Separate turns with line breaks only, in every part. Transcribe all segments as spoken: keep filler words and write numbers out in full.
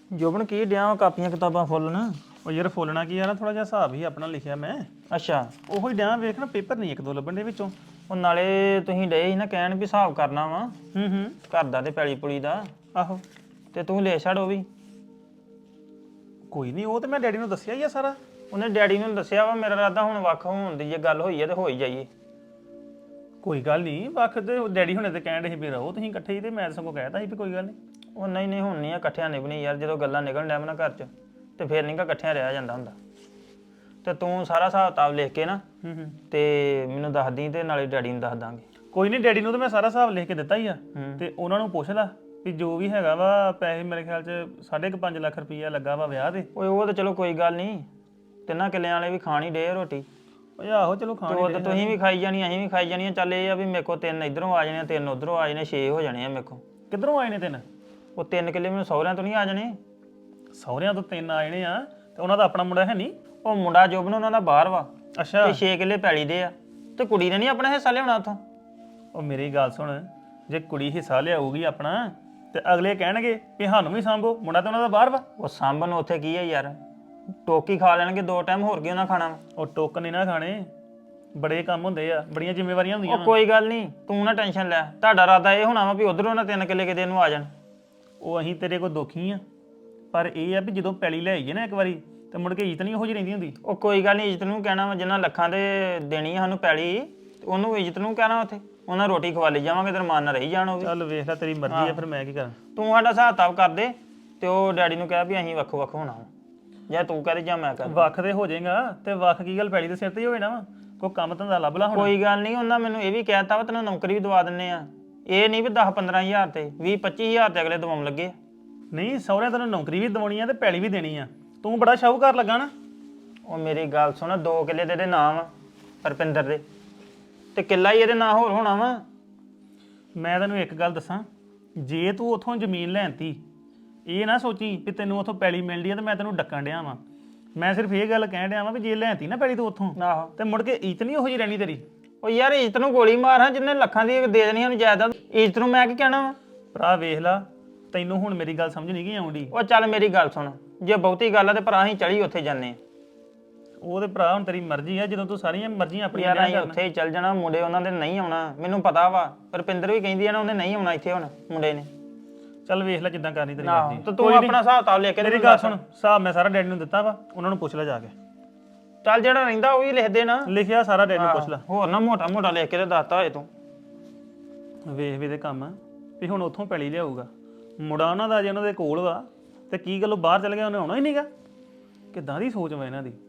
ਜੋਬਨ ਕੀ ਡਿਆ ਕਾਪੀਆਂ ਕਿਤਾਬਾਂ ਫੁੱਲਣ।
ਉਹ ਯਾਰ ਫੋਲਣਾ ਕੀ ਆ, ਥੋੜਾ ਜਿਹਾ ਹਿਸਾਬ ਹੀ ਆਪਣਾ ਲਿਖਿਆ ਮੈਂ।
ਅੱਛਾ
ਉਹੋ ਹੀ ਡਿਆ ਵੇਖ ਨਾ, ਪੇਪਰ ਨਹੀਂ ਇੱਕ ਦੋ ਲੱਭਣ ਦੇ ਵਿੱਚੋਂ।
ਉਹ ਨਾਲੇ ਤੁਸੀਂ ਡੇ ਸੀ ਨਾ ਕਹਿਣ ਵੀ ਹਿਸਾਬ ਕਰਨਾ ਵਾ
ਹੂੰ ਹੂੰ
ਘਰ ਦਾ ਤੇ ਪੈਲੀ ਪੁਲੀ ਦਾ,
ਆਹੋ
ਤੇ ਤੂੰ ਲੈ ਛੱਡ ਉਹ ਵੀ।
ਕੋਈ ਨਹੀਂ, ਉਹ ਤੇ ਮੈਂ ਡੈਡੀ ਨੂੰ ਦੱਸਿਆ ਹੀ ਆ ਸਾਰਾ।
ਉਹਨੇ ਡੈਡੀ ਨੂੰ ਦੱਸਿਆ ਵਾ ਮੇਰਾ ਇਰਾਦਾ ਹੁਣ ਵੱਖ ਹੋਣ ਦੀ ਜੇ ਗੱਲ ਹੋਈ ਹੈ ਤੇ ਹੋ ਹੀ ਜਾਈਏ।
ਕੋਈ ਗੱਲ ਨਹੀਂ, ਵੱਖ ਤੇ ਡੈਡੀ ਹੁਣੇ ਤੇ ਕਹਿਣ ਰਹੇ ਸੀ ਵੀ ਰਹੋ ਤੁਸੀਂ ਇਕੱਠੇ ਹੀ, ਤੇ ਮੈਂ ਸਗੋਂ ਕਹਿਤਾ ਸੀ ਵੀ ਕੋਈ ਗੱਲ ਨਹੀਂ।
ਉਹ ਨਹੀਂ ਨਹੀਂ ਹੁਣ ਨਹੀਂ ਆ ਇਕੱਠਿਆਂ ਨਿਭਣੀ ਯਾਰ, ਜਦੋਂ ਗੱਲਾਂ ਨਿਕਲਣ ਡਿਆ ਨਾ ਘਰ 'ਚ ਤੇ ਫੇਰ ਨਹੀਂ ਗਾ ਇਕੱਠਿਆਂ ਰਿਹਾ ਜਾਂਦਾ ਹੁੰਦਾ। ਤੇ ਤੂੰ ਸਾਰਾ ਹਿਸਾਬ ਕਿਤਾਬ ਲਿਖ ਕੇ ਨਾ
ਹੂੰ ਹੂੰ
ਤੇ ਮੈਨੂੰ ਦੱਸ ਦੀ ਤੇ ਨਾਲੇ ਡੈਡੀ ਨੂੰ ਦੱਸ ਦਾਂਗੇ।
ਕੋਈ ਨਹੀਂ, ਡੈਡੀ ਨੂੰ ਤਾਂ ਮੈਂ ਸਾਰਾ ਹਿਸਾਬ ਲਿਖ ਕੇ ਦਿੱਤਾ ਹੀ ਆ।
ਹੂੰ।
ਤੇ ਉਹਨਾਂ ਨੂੰ ਪੁੱਛ ਲੈ ਵੀ ਜੋ ਵੀ ਹੈਗਾ ਵਾ ਪੈਸੇ, ਮੇਰੇ ਖਿਆਲ 'ਚ ਸਾਢੇ ਕੁ ਪੰਜ ਲੱਖ ਰੁਪਈਆ ਲੱਗਾ ਵਾ ਵਿਆਹ ਤੇ।
ਓਏ ਉਹ ਤਾਂ ਚਲੋ ਕੋਈ ਗੱਲ ਨਹੀਂ, ਤਿੰਨਾਂ ਕਿੱਲਿਆਂ ਵਾਲੇ ਵੀ ਖਾਣੀ ਡੇ ਰੋਟੀ।
ਓਏ ਆਹੋ ਚਲੋ ਖਾਣ
ਤੇ ਉਹ ਤਾਂ ਤੁਸੀਂ ਵੀ ਖਾਈ ਜਾਣੀ ਅਸੀਂ ਵੀ ਖਾਈ ਜਾਣੀ ਆ। ਚੱਲ ਇਹ ਆ ਵੀ ਮੇਰੇ ਕੋਲ ਤਿੰਨ ਇਧਰੋਂ ਆ ਜਾਣੇ, ਤਿੰਨ ਉਧਰੋਂ ਆ ਜਾਣੇ, ਛੇ ਹੋ ਜਾਣੇ ਆ ਮੇਰੇ ਕੋਲ।
ਕਿੱਧਰੋਂ ਆਏ ਨੇ ਤਿੰਨ?
ਉਹ ਤਿੰਨ ਕਿੱਲੇ ਮੈਨੂੰ ਸਹੁਰਿਆਂ ਤੋਂ ਨਹੀਂ ਆ ਜਾਣੇ।
ਸਹੁਰਿਆਂ ਤੋਂ ਤਿੰਨ ਆ ਜਾਣੇ ਆ, ਤੇ ਉਹਨਾਂ ਦਾ ਆਪਣਾ ਮੁੰਡਾ ਹੈ ਨਹੀਂ?
ਉਹ ਮੁੰਡਾ ਜੋਬਨ ਉਹਨਾਂ ਦਾ ਬਾਹਰ ਵਾ
ਅੱਛਾ।
ਤੇ ਛੇ ਕਿੱਲੇ ਪੈਲੀ ਦੇ ਆ, ਤੇ ਕੁੜੀ ਨੇ ਨਹੀਂ ਆਪਣਾ ਹਿੱਸਾ ਲਿਆਉਣਾ ਉੱਥੋਂ।
ਉਹ ਮੇਰੀ ਗੱਲ ਸੁਣ, ਜੇ ਕੁੜੀ ਹਿੱਸਾ ਲਿਆਊਗੀ ਆਪਣਾ ਤੇ ਅਗਲੇ ਕਹਿਣਗੇ ਵੀ ਸਾਨੂੰ ਵੀ ਸਾਂਭੋ, ਮੁੰਡਾ ਤਾਂ ਉਹਨਾਂ ਦਾ ਬਾਹਰ ਵਾ।
ਉਹ ਸਾਂਭਣ ਉੱਥੇ ਕੀ ਹੈ ਯਾਰ, ਟੋਕੀ ਖਾ ਲੈਣਗੇ ਦੋ ਟਾਈਮ, ਹੋਰ ਕੀ ਉਹਨਾਂ ਖਾਣਾ ਵਾ।
ਉਹ ਟੋਕ ਨਹੀਂ ਨਾ ਖਾਣੇ, ਬੜੇ ਕੰਮ ਹੁੰਦੇ ਆ, ਬੜੀਆਂ ਜ਼ਿੰਮੇਵਾਰੀਆਂ ਹੁੰਦੀਆਂ
ਉਹ ਕੋਈ ਗੱਲ ਨਹੀਂ, ਤੂੰ ਨਾ ਟੈਨਸ਼ਨ ਲੈ। ਤੁਹਾਡਾ ਇਰਾਦਾ ਇਹ ਹੋਣਾ ਵਾ ਵੀ ਉਧਰੋਂ ਨਾ ਤਿੰਨ ਕਿੱਲੇ ਕਿਤੇ ਨੂੰ ਆ ਜਾਣ।
ਉਹ ਅਸੀਂ ਤੇਰੇ ਕੋਲ ਦੁਖੀ ਆ, ਪਰ ਇਹ ਆ ਵੀ ਜਦੋਂ ਪੈਲੀ ਲੈ ਆਈਏ ਨਾ ਇੱਕ ਵਾਰੀ, ਤੇ ਮੁੜ ਕੇ ਇੱਜ਼ਤ ਨਹੀਂ ਉਹੋ ਜਿਹੀ ਰਹਿੰਦੀ ਹੁੰਦੀ।
ਉਹ ਕੋਈ ਗੱਲ ਨਹੀਂ, ਇੱਜ਼ਤ ਨੂੰ ਕਹਿਣਾ ਵਾ, ਜਿੰਨਾ ਲੱਖਾਂ ਦੇ ਦੇਣੀ ਆ ਸਾਨੂੰ ਪੈਲੀ, ਉਹਨੂੰ ਇੱਜ਼ਤ ਨੂੰ ਕਹਿਣਾ ਉੱਥੇ। ਉਹਨਾਂ ਰੋਟੀ ਖਵਾ ਲਈ ਜਾਵਾਂਗੇ, ਤੇ ਰਮਾਨ ਨਾਲ ਰਹੀ ਜਾਣ ਉਹ ਵੀ।
ਚੱਲ ਵੇਖ ਲੈ, ਤੇਰੀ ਮਰਜ਼ੀ ਆ, ਫਿਰ ਮੈਂ ਕੀ ਕਰਾਂ।
ਤੂੰ ਸਾਡਾ ਹਿਸਾਬ ਕਿਤਾਬ ਕਰ ਦੇ, ਤੇ ਉਹ ਡੈਡੀ ਨੂੰ ਕਹਿ ਵੀ ਅਸੀਂ ਵੱਖੋ ਵੱਖ ਹੋਣਾ ਵਾ, ਜਾਂ ਤੂੰ ਕਰੇ ਜਾਂ ਮੈਂ ਕਰ।
ਵੱਖ ਤੇ ਹੋ ਜਾਏਗਾ, ਤੇ ਵੱਖ ਕੀ ਗੱਲ ਪੈਲੀ ਦੇ ਸਿਰ ਤੇ ਹੀ ਹੋਵੇ ਨਾ ਵਾ, ਕੋਈ ਕੰਮ ਧੰਦਾ ਲੱਭ ਲਾ ਹੁਣ।
ਕੋਈ ਗੱਲ ਨਹੀਂ, ਉਹਨਾਂ ਮੈਨੂੰ ਇਹ ਵੀ ਕਹਿਤਾ ਵਾ ਤੈਨੂੰ ਨੌਕਰੀ ਵੀ ਦਵਾ ਦਿੰਨੇ ਆ। ਇਹ ਨਹੀਂ ਵੀ ਦਸ ਪੰਦਰਾਂ ਹਜ਼ਾਰ ਤੇ ਵੀਹ ਪੱਚੀ ਹਜ਼ਾਰ ਤੇ ਅਗਲੇ ਦਵਾਉਣ ਲੱਗੇ।
ਨਹੀਂ, ਸਹੁਰਿਆਂ ਤੈਨੂੰ ਨੌਕਰੀ ਵੀ ਦਵਾਉਣੀ ਆ ਤੇ ਪੈਲੀ ਵੀ ਦੇਣੀ ਆ। ਤੂੰ ਬੜਾ ਸ਼ਾਹੂਕਾਰ ਲੱਗਾ ਨਾ।
ਉਹ ਮੇਰੀ ਗੱਲ ਸੁਣ, ਦੋ ਕਿੱਲੇ ਦੇ ਇਹਦੇ ਨਾਂ ਵਾ ਰਪਿੰਦਰ ਦੇ, ਤੇ ਕਿੱਲਾ ਹੀ ਇਹਦੇ ਨਾਂ ਹੋਰ ਹੋਣਾ ਵਾ।
ਮੈਂ ਤੈਨੂੰ ਇੱਕ ਗੱਲ ਦੱਸਾਂ, ਜੇ ਤੂੰ ਉਥੋਂ ਜ਼ਮੀਨ ਲੈਣਤੀ, ਇਹ ਨਾ ਸੋਚੀ ਵੀ ਤੈਨੂੰ ਉਥੋਂ ਪੈਲੀ ਮਿਲਦੀ ਆ ਤੇ ਮੈਂ ਤੈਨੂੰ ਡੱਕਣ ਡਿਆ ਵਾਂ। ਮੈਂ ਸਿਰਫ ਇਹ ਗੱਲ ਕਹਿਣ ਡਿਆ ਵਾਂ ਵੀ ਜੇ ਲੈਣਤੀ ਨਾ ਪੈਲੀ ਤੂੰ ਉਥੋਂ,
ਆਹੋ,
ਤੇ ਮੁੜ ਕੇ ਇੱਜ਼ਤ ਨਹੀਂ ਉਹੋ ਜਿਹੀ ਰਹਿਣੀ ਤੇਰੀ।
ਉਹ ਯਾਰ ਇੱਜ਼ਤ ਨੂੰ ਗੋਲੀ ਮਾਰ ਹਾਂ, ਜਿੰਨੇ ਲੱਖਾਂ ਦੀ ਦੇ ਦੇਣੀ ਉਹਨੂੰ ਜਾਇਦਾਦ, ਇੱਜ਼ਤ ਨੂੰ ਮੈਂ ਕੀ ਕਹਿਣਾ ਵਾ।
ਭਰਾ ਵੇਖ ਲਾ, ਤੈਨੂੰ ਹੁਣ ਮੇਰੀ ਗੱਲ ਸਮਝ ਨਹੀਂ ਗਈ ਆਉਂਦੀ।
ਉਹ ਚੱਲ ਮੇਰੀ ਗੱਲ ਸੁਣ, ਜੇ ਬਹੁਤੀ ਗੱਲ ਆ ਤੇ ਭਰਾ ਅਸੀਂ ਚੜੀ ਉੱਥੇ ਜਾਂਦੇ।
ਉਹ ਤੇ ਭਰਾ ਹੁਣ ਤੇਰੀ ਮਰਜ਼ੀ ਆ, ਜਦੋਂ ਤੂੰ ਸਾਰੀਆਂ ਮਰਜ਼ੀਆਂ ਆਪਣੀਆਂ
ਯਾਰ ਅਸੀਂ ਉੱਥੇ ਹੀ ਚੱਲ ਜਾਣਾ, ਮੁੰਡੇ ਉਹਨਾਂ ਦੇ ਨਹੀਂ ਆਉਣਾ, ਮੈਨੂੰ ਪਤਾ ਵਾ। ਰੁਪਿੰਦਰ ਵੀ ਕਹਿੰਦੀ ਆ ਨਾ ਉਹਨੇ ਨਹੀਂ ਆਉਣਾ ਇੱਥੇ ਹੁਣ ਮੁੰਡੇ ਨੇ।
ਚੱਲ ਵੇਖ ਲੈ ਜਿੱਦਾਂ ਕਰਨੀ ਤੇਰੀ
ਆਹੋ,
ਮਰਜ਼ੀ।
ਤੇ ਤੂੰ ਆਪਣਾ ਹਿਸਾਬ ਕਿਤਾਬ ਲੈ ਕੇ
ਮੇਰੀ ਗੱਲ ਸੁਣ, ਹਿਸਾਬ ਮੈਂ ਸਾਰਾ ਡੈਡੀ ਨੂੰ ਦਿੱਤਾ ਵਾ, ਉਹਨਾਂ ਨੂੰ ਪੁੱਛ ਲੈ ਜਾ ਕੇ।
ਚੱਲ ਜਿਹੜਾ ਰਹਿੰਦਾ ਉਹ ਵੀ ਲਿਖ ਦੇ ਨਾ।
ਲਿਖਿਆ ਸਾਰਾ ਡੈਡੀ ਨੂੰ ਪੁੱਛ ਲੈ।
ਹੋਰ ਨਾ ਮੋਟਾ ਮੋਟਾ ਲਿਖ ਕੇ ਤੇ ਦੱਸਤਾ ਹੋਏ ਤੂੰ।
ਵੇਖ ਵੀ ਦੇ ਕੰਮ ਆ ਵੀ ਹੁਣ ਉੱਥੋਂ ਪੈਲੀ ਲਿਆਊਗਾ, ਮੁੰਡਾ ਉਹਨਾਂ ਦਾ ਜੇ ਉਹਨਾਂ ਦੇ ਕੋਲ ਵਾ, ਤੇ ਕੀ ਗੱਲੋਂ ਬਾਹਰ ਚਲ ਗਿਆ, ਉਹਨੇ ਆਉਣਾ ਹੀ ਨਹੀਂਗਾ। ਕਿੱਦਾਂ ਦੀ ਸੋਚ ਵਾ ਇਹਨਾਂ ਦੀ,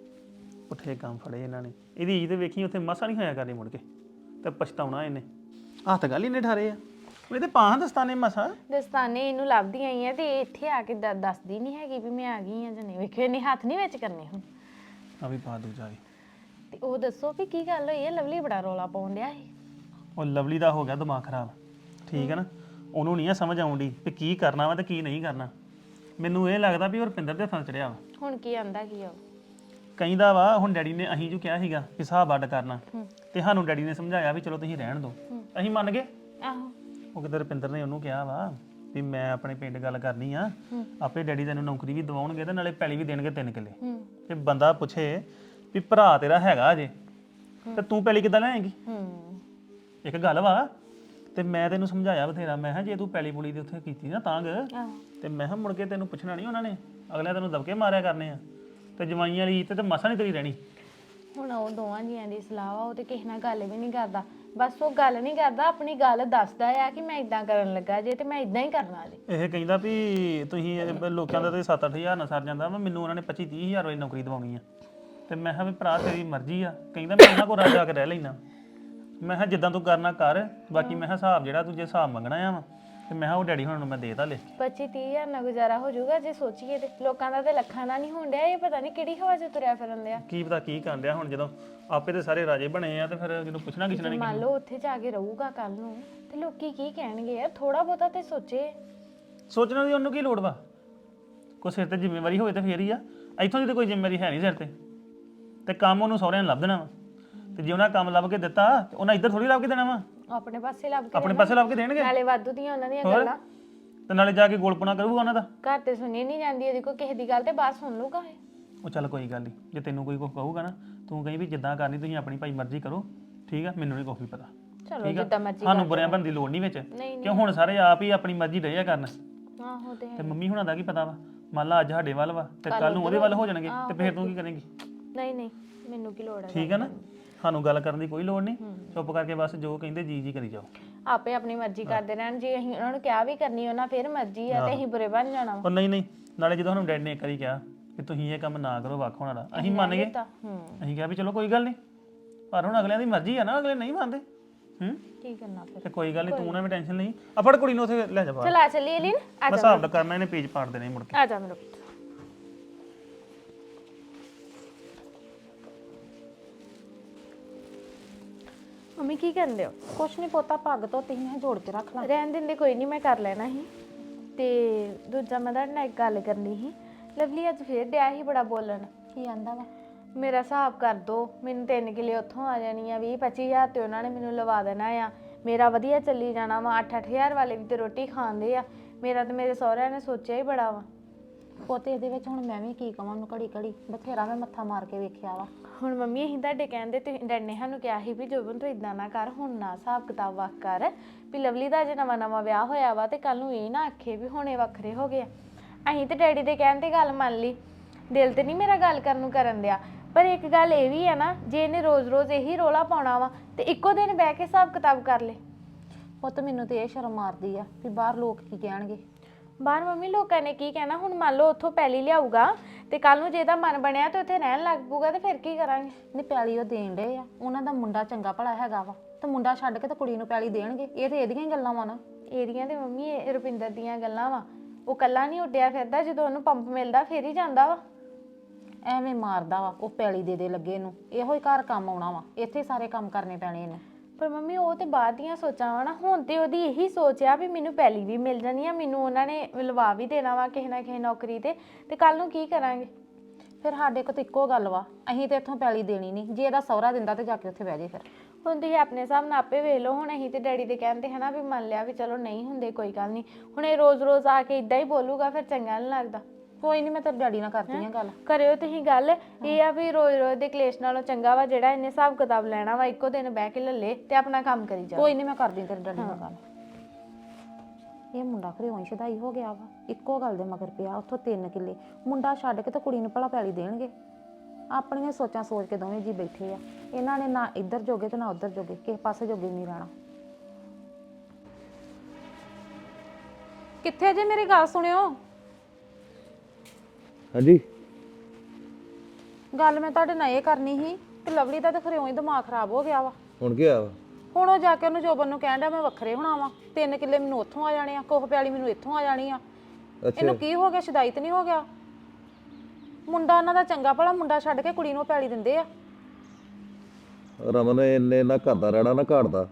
ਪੁੱਠੇ ਕੰਮ ਫੜੇ ਇਹਨਾਂ ਨੇ। ਇਹਦੀ ਇੱਜ਼ਤ ਵੇਖੀ ਉੱਥੇ ਮਸਾ ਨਹੀਂ ਹੋਇਆ ਕਰਨੀ, ਮੁੜ ਕੇ ਤੇ ਪਛਤਾਉਣਾ ਇਹਨੇ। ਹੱਥ ਗੱਲ ਹੀ ਨੇ ਠਾਰੇ ਆ ਇਹ ਤੇ ਪਾਹਾਂ ਦਸਤਾਨੇ ਮਸਾ।
ਦਸਤਾਨੇ ਇਹਨੂੰ ਲੱਭਦੀ ਆਈ ਆ ਤੇ ਇੱਥੇ ਆ ਕੇ ਦ- ਦੱਸਦੀ ਨਹੀਂ ਹੈਗੀ ਵੀ ਮੈਂ ਆ ਗਈ ਆ ਜਾਂ ਨਹੀਂ। ਵੇਖਿਓ ਇਹਨੇ ਹੱਥ ਨਹੀਂ ਵਿੱਚ ਕਰਨੇ ਹੁਣ।
ਆ ਵੀ ਪਾ ਦੂਜਾ ਵੀ।
ਤੇ ਉਹ ਦੱਸੋ ਵੀ ਕੀ ਗੱਲ ਹੋਈ ਹੈ? ਲਵਲੀ ਬੜਾ ਰੋਲਾ ਪਾਉਣ ਡਿਆ ਸੀ।
ਉਹ ਲਵਲੀ ਦਾ ਹੋ ਗਿਆ ਦਿਮਾਗ ਖਰਾਬ, ਠੀਕ ਹੈ ਨਾ। ਉਹਨੂੰ ਨਹੀਂ ਆ ਸਮਝ ਆਉਂਦੀ ਵੀ ਕੀ ਕਰਨਾ ਵਾ ਤੇ ਕੀ ਨਹੀਂ ਕਰਨਾ। ਮੈਨੂੰ ਇਹ ਲੱਗਦਾ ਵੀ ਉਹ ਰੁਪਿੰਦਰ ਦੇ ਫਸ ਚੜਿਆ ਵਾ।
ਹੁਣ ਕੀ ਆਂਦਾ ਕੀ ਆ ਉਹ?
ਕਹਿੰਦਾ ਵਾ ਹੁਣ ਡੈਡੀ ਨੇ ਅਸੀਂ ਜੋ ਕਿਹਾ ਸੀਗਾ ਕਿ ਹਿਸਾਬ ਅੱਡ ਕਰਨਾ, ਤੇ ਸਾਨੂੰ ਡੈਡੀ ਨੇ ਸਮਝਾਇਆ ਵੀ ਚਲੋ ਤੁਸੀਂ ਰਹਿਣ ਦਿਓ, ਅਸੀਂ ਮੰਨ ਗਏ।
ਆਹੋ,
ਉਹ ਕਿਤੇ ਰੁਪਿੰਦਰ ਨੇ ਉਹਨੂੰ ਕਿਹਾ ਵਾ ਵੀ ਮੈਂ ਆਪਣੇ ਪਿੰਡ ਗੱਲ ਕਰਨੀ ਆ, ਆਪੇ ਡੈਡੀ ਤੈਨੂੰ ਨੌਕਰੀ ਵੀ ਦਿਵਾਉਣਗੇ ਤੇ ਨਾਲੇ ਪੈਲੀ ਵੀ ਦੇਣਗੇ ਤਿੰਨ ਕਿੱਲੇ। ਤੇ ਬੰਦਾ ਪੁੱਛੇ ਵੀ ਭਰਾ ਤੇਰਾ ਹੈਗਾ ਅਜੇ, ਤੇ ਤੂੰ ਪੈਲੀ ਕਿੱਦਾਂ ਲੈਂਗੀ?
ਹੂੰ,
ਇੱਕ ਗੱਲ ਵਾ, ਤੇ ਮੈਂ ਤੈਨੂੰ ਸਮਝਾਇਆ ਬਥੇਰਾ। ਮੈਂ ਕਿਹਾ ਜੇ ਤੂੰ ਪੈਲੀ ਪੁਲੀ ਦੇ ਉੱਥੇ ਕੀਤੀ ਨਾ ਤਾਂਗ,
ਆਹੋ,
ਤੇ ਮੈਂ ਕਿਹਾ ਮੁੜ ਕੇ ਤੈਨੂੰ ਪੁੱਛਣਾ ਨਹੀਂ ਉਹਨਾਂ ਨੇ, ਅਗਲੇ ਤੈਨੂੰ ਦਬਕੇ ਮਾਰਿਆ ਕਰਨੇ ਆ, ਤੇ ਜਵਾਈਆਂ ਵਾਲੀ ਇੱਜ਼ਤ ਤੇ ਮਸਾ ਨਹੀਂ ਤੇਰੀ ਰਹਿਣੀ।
ਹੁਣ ਉਹ ਦੋਵਾਂ ਜੀਆਂ ਦੀ ਸਲਾਹ ਵਾ, ਉਹ ਤੇ ਕਿਸੇ ਨਾਲ ਗੱਲ ਵੀ ਨਹੀਂ ਕਰਦਾ। ਬਸ ਉਹ ਗੱਲ ਨਹੀਂ ਕਰਦਾ, ਆਪਣੀ ਗੱਲ ਦੱਸਦਾ ਆ ਕਿ ਮੈਂ ਇਦਾਂ ਕਰਨ ਲੱਗਾ ਜੇ ਤੇ ਮੈਂ ਇਦਾਂ ਹੀ ਕਰਨਾ ਜੇ।
ਇਹ ਕਹਿੰਦਾ ਵੀ ਤੁਸੀਂ ਇਹ ਲੋਕਾਂ ਦਾ ਤੇ ਸੱਤ ਅੱਠ ਹਜ਼ਾਰ ਨਾਲ ਸਰ ਜਾਂਦਾ ਵਾ, ਮੈਨੂੰ ਉਹਨਾਂ ਨੇ ਪੱਚੀ ਤੀਹ ਹਜ਼ਾਰ ਵਾਲੀ ਨੌਕਰੀ ਦਿਵਾਉਣੀ ਆ। ਤੇ ਮੈਂ ਕਿਹਾ ਵੀ ਭਰਾ ਤੇਰੀ ਮਰਜ਼ੀ ਆ। ਕਹਿੰਦਾ ਮੈਂ ਉਹਨਾਂ ਕੋਲ ਰਾਜ ਜਾ ਕੇ ਰਹਿ ਲੈਣਾ। ਮੈਂ ਕਿਹਾ ਜਿੱਦਾਂ ਤੂੰ ਕਰਨਾ ਕਰ, ਬਾਕੀ ਮੈਂ ਕਿਹਾ ਹਿਸਾਬ ਜਿਹੜਾ ਤੂੰ ਜੇ ਹਿਸਾਬ ਮੰਗਣਾ ਆ ਵਾ, ਤੇ ਮੈਂ ਕਿਹਾ ਉਹ ਡੈਡੀ ਹੁਣ ਨੂੰ ਮੈਂ ਦੇਤਾ ਲੈ।
ਪੱਚੀ ਤੀਹ ਹਜ਼ਾਰ ਨਾਲ ਗੁਜ਼ਾਰਾ ਹੋ ਜਾਊਗਾ ਜੇ ਸੋਚੀਏ ਤੇ। ਲੋਕਾਂ ਦਾ ਤੇ ਲੱਖਾਂ ਦਾ ਨਹੀਂ ਹੋਣ ਡਿਆ। ਇਹ ਪਤਾ ਨਹੀਂ ਕਿਹੜੀ ਹਵਾ 'ਚ ਤੁਰਿਆ ਫਿਰਨ ਡਿਆ।
ਕੀ ਪਤਾ ਕੀ ਕਰਨ ਡਿਆ ਹੁਣ, ਜਦੋਂ ਆਪੇ ਤੇ ਸਾਰੇ ਰਾਜੇ ਬਣੇ ਆ, ਤੇ ਫਿਰ ਜਦੋਂ ਪੁੱਛਣਾ ਕਿਸੇ ਨੇ।
ਮੰਨ ਲਓ ਉੱਥੇ ਜਾ ਕੇ ਰਹੂਗਾ ਕੱਲ ਨੂੰ, ਤੇ ਲੋਕੀ ਕੀ ਕਹਿਣਗੇ? ਯਾਰ ਥੋੜਾ ਬਹੁਤਾ ਤੇ ਸੋਚੇ।
ਸੋਚਣਾ ਦੀ ਉਹਨੂੰ ਕੀ ਲੋੜ ਵਾ? ਕੋਈ ਸਿਰ ਤੇ ਜ਼ਿੰਮੇਵਾਰੀ ਹੋਵੇ ਤੇ ਫੇਰ ਹੀ ਆ। ਇੱਥੋਂ ਦੀ ਤੇ ਕੋਈ ਜ਼ਿੰਮੇਵਾਰੀ ਹੈ ਨਹੀਂ ਸਿਰ ਤੇ, ਤੇ ਕੰਮ ਉਹਨੂੰ ਸਹੁਰਿਆਂ ਨੇ ਲੱਭ ਦੇਣਾ ਵਾ। ਤੇ ਜੇ ਉਹਨਾਂ ਕੰਮ ਲੱਭ ਕੇ ਦਿੱਤਾ, ਤੇ ਉਹਨਾਂ ਇੱਧਰ ਥੋੜੀ ਲੱਭ ਕੇ ਦੇਣਾ ਵਾ,
ਆਪਣੇ ਪਾਸੇ ਲੱਭ ਕੇ
ਆਪਣੇ ਪਾਸੇ ਲੱਭ ਕੇ ਦੇਣਗੇ।
ਨਾਲੇ ਵਾਧੂ ਦੀਆਂ ਉਹਨਾਂ ਦੀਆਂ ਗੱਲਾਂ।
ਤੇ ਨਾਲੇ ਜਾ ਕੇ ਗੋਲਪਣਾ ਕਰੂਗਾ ਉਹਨਾਂ ਦਾ।
ਘਰ ਤੇ ਸੁਣੀ ਨਹੀਂ ਜਾਂਦੀ ਇਹਦੀ ਕੋਈ ਕਿਸੇ ਦੀ ਗੱਲ ਤੇ ਬਾਤ ਸੁਣ ਲੂਗਾ ਇਹ।
ਉਹ ਚੱਲ ਕੋਈ ਗੱਲ ਨਹੀਂ, ਜੇ ਤੈਨੂੰ ਕੋਈ ਕੁਝ ਕਹੂਗਾ ਨਾ ਤੂੰ ਕਹੀਂ ਵੀ ਜਿੱਦਾਂ ਕਰਨੀ ਤੁਸੀਂ ਆਪਣੀ ਭਾਈ ਮਰਜ਼ੀ ਕਰੋ, ਠੀਕ ਆ, ਮੈਨੂੰ ਨਹੀਂ ਕੁਛ ਵੀ ਪਤਾ।
ਚਲੋ
ਠੀਕ ਆ,
ਜਿੱਦਾਂ ਮਰਜ਼ੀ
ਸਾਨੂੰ ਬੁਰਿਆਂ ਬਣਨ ਦੀ ਲੋੜ ਨਹੀਂ ਵਿੱਚ,
ਨਹੀਂ
ਕਿਉਂ ਹੁਣ ਸਾਰੇ ਆਪ ਹੀ ਆਪਣੀ ਮਰਜ਼ੀ ਡਿਆ ਕਰਨ।
ਆਹੋ ਤੇ
ਤੇ ਮੰਮੀ ਹੁਣਾਂ ਦਾ ਕੀ ਪਤਾ ਵਾ, ਮੰਨ ਲਾ ਅੱਜ ਸਾਡੇ ਵੱਲ ਵਾ ਤੇ ਕੱਲ ਨੂੰ ਉਹਦੇ ਵੱਲ ਹੋ ਜਾਣਗੇ, ਤੇ ਫਿਰ ਤੂੰ ਕੀ ਕਰੇਂਗੀ?
ਨਹੀਂ ਨਹੀਂ ਮੈਨੂੰ ਕੀ ਲੋੜ ਹੈ।
ਠੀਕ ਆ ਨਾ, ਸਾਨੂੰ ਗੱਲ ਕਰਨ ਦੀ ਕੋਈ ਲੋੜ ਨਹੀਂ, ਚੁੱਪ ਕਰਕੇ ਬਸ ਜੋ ਕਹਿੰਦੇ ਜੀ ਜੀ ਕਰੀ ਜਾਓ।
ਆਪੇ ਆਪਣੀ ਮਰਜ਼ੀ ਕਰਦੇ ਰਹਿਣ, ਜੇ ਅਸੀਂ ਉਹਨਾਂ ਨੂੰ ਕਿਹਾ ਵੀ ਕਰਨੀ ਉਹਨਾਂ ਫਿਰ ਮਰਜ਼ੀ ਆ ਤੇ ਅਸੀਂ ਬੁਰੇ ਬਣ ਜਾਣਾ ਵਾ।
ਪਰ ਨਹੀਂ ਨਹੀਂ, ਨਾਲੇ ਜਦੋਂ ਸਾਨੂੰ ਡੈਡ ਨੇ ਇੱਕ ਵਾਰੀ ਕਿਹਾ ਕਿ ਤੁਸੀਂ ਇਹ ਕੰਮ ਨਾ ਕਰੋ ਵੱਖ ਹੋਣਾ ਦਾ, ਅਸੀਂ ਮੰਨ ਗਏ।
ਹੂੰ
ਅਸੀਂ ਕਿਹਾ ਵੀ ਚਲੋ ਕੋਈ ਗੱਲ ਨਹੀਂ, ਪਰ ਹੁਣ ਅਗਲਿਆਂ ਦੀ ਮਰਜ਼ੀ ਆ ਨਾ, ਅਗਲੇ ਨਹੀਂ ਮੰਨਦੇ। ਹੂੰ
ਕੀ ਕਰਨਾ ਫਿਰ?
ਤੇ ਕੋਈ ਗੱਲ ਨਹੀਂ, ਤੂੰ ਨਾ ਵੀ ਟੈਨਸ਼ਨ ਨਹੀਂ, ਆ ਫੜ ਕੁੜੀ ਨੂੰ ਉੱਥੇ ਲੈ ਜਾ ਬਾਹਰ।
ਚਲ ਆ ਚੱਲੀਏ ਲੀਨ, ਆ
ਮੈਂ ਹਿਸਾਬ ਦਾ ਕਰਨਾ, ਇਹਨੇ ਪੇਜ ਪਾੜ ਦੇਣੇ ਮੁੜ ਕੇ।
ਆ ਜਾ ਮੇਰੇ ਪੁੱਤ। ਮੰਮੀ ਕੀ ਕਰਦੇ ਹੋ?
ਕੁਛ ਨਹੀਂ ਪੋਤਾ, ਪੱਗ ਧੋਤੀ ਮੈਂ ਜੋੜ ਕੇ ਰੱਖ ਲਾਂ।
ਰਹਿਣ ਦਿੰਦੇ, ਕੋਈ ਨਹੀਂ ਮੈਂ ਕਰ ਲੈਣਾ ਸੀ। ਤੇ ਦੂਜਾ ਮੈਂ ਤੁਹਾਡੇ ਨਾਲ ਇੱਕ ਗੱਲ ਕਰਨੀ ਸੀ। ਲਵਲੀ ਅੱਜ ਫੇਰ ਡਿਆ ਸੀ ਬੜਾ ਬੋਲਣ।
ਕੀ ਆਂਦਾ ਵਾ?
ਮੇਰਾ ਹਿਸਾਬ ਕਰ ਦੋ, ਮੈਨੂੰ ਤਿੰਨ ਕਿੱਲੇ ਉੱਥੋਂ ਆ ਜਾਣੀ ਆ, ਵੀਹ ਪੱਚੀ ਹਜ਼ਾਰ ਤੇ ਉਹਨਾਂ ਨੇ ਮੈਨੂੰ ਲਵਾ ਦੇਣਾ ਆ। ਮੇਰਾ ਵਧੀਆ ਚੱਲੀ ਜਾਣਾ ਵਾ, ਅੱਠ ਅੱਠ ਹਜ਼ਾਰ ਵਾਲੇ ਵੀ ਤੇ ਰੋਟੀ ਖਾਂਦੇ ਆ। ਮੇਰਾ ਤੇ ਮੇਰੇ ਸਹੁਰਿਆਂ ਨੇ ਸੋਚਿਆ ਹੀ ਬੜਾ ਵਾ।
ਪੋਤੇ ਇਹਦੇ ਵਿੱਚ ਹੁਣ ਮੈਂ ਵੀ ਕੀ ਕਵਾਂ ਉਹਨੂੰ, ਘੜੀ ਘੜੀ ਬਥੇਰਾ ਮੈਂ ਮੱਥਾ ਮਾਰ ਕੇ ਵੇਖਿਆ ਵਾ।
ਹੁਣ ਮੰਮੀ ਅਸੀਂ ਤੁਹਾਡੇ ਕਹਿੰਦੇ ਤੇ ਡੈਡ ਨੇ ਸਾਨੂੰ ਕਿਹਾ ਸੀ ਵੀ ਜੋਬਨ ਤੂੰ ਇਦਾਂ ਨਾ ਕਰ, ਹੁਣ ਨਾ ਹਿਸਾਬ ਕਿਤਾਬ ਵੱਖ ਕਰ ਵੀ ਲਵਲੀ ਦਾ ਜੇ ਨਵਾਂ ਨਵਾਂ ਵਿਆਹ ਹੋਇਆ ਵਾ ਤੇ ਕੱਲ ਨੂੰ ਇਹ ਨਾ ਆਖੇ ਵੀ ਹੁਣੇ ਵੱਖਰੇ ਹੋ ਗਏ। ਅਸੀਂ ਤੇ ਡੈਡੀ ਦੇ ਕਹਿਣ ਤੇ ਗੱਲ ਮੰਨ ਲਈ, ਦਿਲ ਤੇ ਨਹੀਂ ਮੇਰਾ ਗੱਲ ਕਰਨ ਨੂੰ ਕਰਨ ਦਿਆ। ਪਰ ਇੱਕ ਗੱਲ ਇਹ ਵੀ ਹੈ ਨਾ, ਜੇ ਇਹਨੇ ਰੋਜ਼-ਰੋਜ਼ ਇਹੀ ਰੋਲਾ ਪਾਉਣਾ ਵਾ ਤੇ ਇੱਕੋ ਦਿਨ ਬਹਿ ਕੇ ਹਿਸਾਬ ਕਿਤਾਬ ਕਰ ਲੇ।
ਪੁੱਤ ਮੈਨੂੰ ਤੇ ਇਹ ਸ਼ਰਮ ਮਾਰਦੀ ਆ ਵੀ ਬਾਹਰ ਲੋਕ ਕੀ ਕਹਿਣਗੇ।
ਬਾਹਰ ਮੰਮੀ ਲੋਕਾਂ ਨੇ ਕੀ ਕਹਿਣਾ? ਹੁਣ ਮੰਨ ਲਓ ਉੱਥੋਂ ਪੈਲੀ ਲਿਆਊਗਾ ਤੇ ਕੱਲ ਨੂੰ ਜੇ ਇਹਦਾ ਮਨ ਬਣਿਆ ਤੇ ਉੱਥੇ ਰਹਿਣ ਲੱਗ ਪਊਗਾ ਤੇ ਫਿਰ ਕੀ ਕਰਾਂਗੇ?
ਨਹੀਂ ਪੈਲੀ ਉਹ ਦੇਣ ਡੇ ਆ, ਉਹਨਾਂ ਦਾ ਮੁੰਡਾ ਚੰਗਾ ਭਲਾ ਹੈਗਾ ਵਾ, ਤੇ ਮੁੰਡਾ ਛੱਡ ਕੇ ਤੇ ਕੁੜੀ ਨੂੰ ਪੈਲੀ ਦੇਣਗੇ। ਇਹ ਤੇ ਇਹਦੀਆਂ ਹੀ ਗੱਲਾਂ ਵਾ ਨਾ।
ਏਰੀਆਂ ਤੇ ਮੰਮੀ ਇਹ ਰੁਪਿੰਦਰ ਦੀਆਂ ਗੱਲਾਂ ਵਾ। ਉਹ ਕੱਲਾ ਨਹੀਂ ਉੱਡਿਆ ਫਿਰਦਾ, ਜਦੋਂ ਉਹਨੂੰ ਪੰਪ ਮਿਲਦਾ ਫੇਰ ਹੀ ਜਾਂਦਾ ਵਾ।
ਐਵੇਂ ਮਾਰਦਾ ਵਾ ਉਹ, ਪੈਲੀ ਦੇ ਦੇ ਲੱਗੇ ਨੂੰ, ਇਹੋ ਹੀ ਘਰ ਕੰਮ ਆਉਣਾ ਵਾ, ਇੱਥੇ ਸਾਰੇ ਕੰਮ ਕਰਨੇ ਪੈਣੇ ਇਹਨੂੰ।
ਪਰ ਮੰਮੀ ਉਹ ਤੇ ਬਾਅਦ ਦੀਆਂ ਸੋਚਾਂ ਵਾ ਨਾ, ਹੁਣ ਤੇ ਉਹਦੀ ਇਹੀ ਸੋਚ ਆ ਵੀ ਮੈਨੂੰ ਪੈਲੀ ਵੀ ਮਿਲ ਜਾਣੀ ਆ, ਮੈਨੂੰ ਉਹਨਾਂ ਨੇ ਲਵਾ ਵੀ ਦੇਣਾ ਵਾ ਕਿਸੇ ਨਾ ਕਿਸੇ ਨੌਕਰੀ ਤੇ ਤੇ ਕੱਲ ਨੂੰ ਕੀ ਕਰਾਂਗੇ?
ਫਿਰ ਸਾਡੇ ਕੋਲ ਤਾਂ ਇੱਕੋ ਗੱਲ ਵਾ, ਅਸੀਂ ਤੇ ਇੱਥੋਂ ਪੈਲੀ ਦੇਣੀ ਨਹੀਂ, ਜੇ ਇਹਦਾ ਸਹੁਰਾ ਦਿੰਦਾ ਤੇ ਜਾ ਕੇ ਉੱਥੇ ਬਹਿ ਜੇ। ਫਿਰ
ਹੁਣ ਤੁਸੀਂ ਆਪਣੇ ਹਿਸਾਬ ਨਾਲ ਆਪੇ ਵੇਖ ਲਓ। ਹੁਣ ਅਸੀਂ ਤੇ ਡੈਡੀ ਦੇ ਕਹਿੰਦੇ ਹਨਾ ਵੀ ਮੰਨ ਲਿਆ ਵੀ ਚਲੋ ਨਹੀਂ ਹੁੰਦੇ ਕੋਈ ਗੱਲ ਨਹੀਂ। ਹੁਣ ਇਹ ਰੋਜ਼-ਰੋਜ਼ ਆ ਕੇ ਇਦਾਂ ਹੀ ਬੋਲੂਗਾ ਫਿਰ ਚੰਗਾ ਨਹੀਂ ਲੱਗਦਾ।
ਕੋਈ ਨਹੀਂ, ਮੈਂ ਤੇਰੇ ਡੈਡੀ ਨਾਲ ਕਰਦੀ ਆ ਗੱਲ।
ਕਰਿਓ ਤੁਸੀਂ ਗੱਲ। ਇਹ ਆ ਵੀ ਰੋਜ਼-ਰੋਜ਼ ਦੇ ਕਲੇਸ਼ ਨਾਲੋਂ ਚੰਗਾ ਵਾ ਜਿਹੜਾ ਇਹਨੇ ਹਿਸਾਬ ਕਿਤਾਬ ਲੈਣਾ ਵਾ, ਇੱਕੋ ਦਿਨ ਬਹਿ ਕੇ ਲੱਲੇ ਤੇ ਆਪਣਾ ਕੰਮ ਕਰੀ ਜਾ।
ਕੋਈ ਨਹੀਂ, ਮੈਂ ਕਰਦੀ ਤੇਰੇ ਡੈਡੀ ਨਾਲ ਗੱਲ। ਇਹ ਮੁੰਡਾ ਖਰੇ ਉਂਝ ਸ਼ਦਾਈ ਹੋ ਗਿਆ ਵਾ, ਇੱਕੋ ਗੱਲ ਦੇ ਮਗਰ ਪਿਆ। ਉੱਥੋਂ ਤਿੰਨ ਕਿੱਲੇ ਮੁੰਡਾ ਛੱਡ ਕੇ ਤੇ ਕੁੜੀ ਨੂੰ ਭਲਾ ਪੈਲੀ ਦੇਣਗੇ। ਆਪਣੀਆਂ ਸੋਚਾਂ ਸੋਚ ਕੇ ਦੋਵੇਂ ਜੀ ਬੈਠੇ ਆ। ਇਹਨਾਂ ਨੇ ਨਾ ਇੱਧਰ ਜੋਗੇ ਤੇ ਨਾ ਉੱਧਰ ਜੋਗੇ, ਕਿਸੇ ਪਾਸੇ ਜੋਗੇ ਨਹੀਂ ਰਹਿਣਾ। ਕਿੱਥੇ ਜੇ ਮੇਰੀ ਗੱਲ ਸੁਣਿਓ।
ਹਾਂਜੀ
ਗੱਲ ਮੈਂ ਤੁਹਾਡੇ ਨਾਲ ਇਹ ਕਰਨੀ ਸੀ ਕਿ ਲਵਲੀ ਦਾ ਤਾਂ ਖਰੇ ਉਂਝ ਦਿਮਾਗ ਖਰਾਬ ਹੋ ਗਿਆ ਵਾ।
ਹੁਣ ਕੀ ਆ ਵਾ?
ਹੁਣ ਉਹ ਜਾ ਕੇ ਉਹਨੂੰ ਜੋਬਨ ਨੂੰ ਕਹਿਣ ਡਿਆ ਮੈਂ ਵੱਖਰੇ ਹੋਣਾ ਵਾ, ਤਿੰਨ ਕਿੱਲੇ ਮੈਨੂੰ ਉੱਥੋਂ ਆ ਜਾਣੇ ਆ, ਕੋਹ ਪਿਆਲੀ ਮੈਨੂੰ ਇੱਥੋਂ ਆ ਜਾਣੀ ਆ। ਇਹਨੂੰ ਕੀ ਹੋ ਗਿਆ? ਸ਼ਦਾਈ ਤੇ ਨਹੀਂ ਹੋ ਗਿਆ? ਮੁੰਡਾ ਉਹਨਾਂ ਦਾ ਚੰਗਾ ਭਲਾ, ਮੁੰਡਾ ਛੱਡ ਕੇ ਕੁੜੀ ਨੂੰ ਪੈਲੀ ਦਿੰਦੇ ਆ।
ਰਮਨ ਇੰਨੇ ਨਾ ਘਰ ਦਾ ਰਹਿਣਾ ਨਾ ਘਾਟ ਦਾ।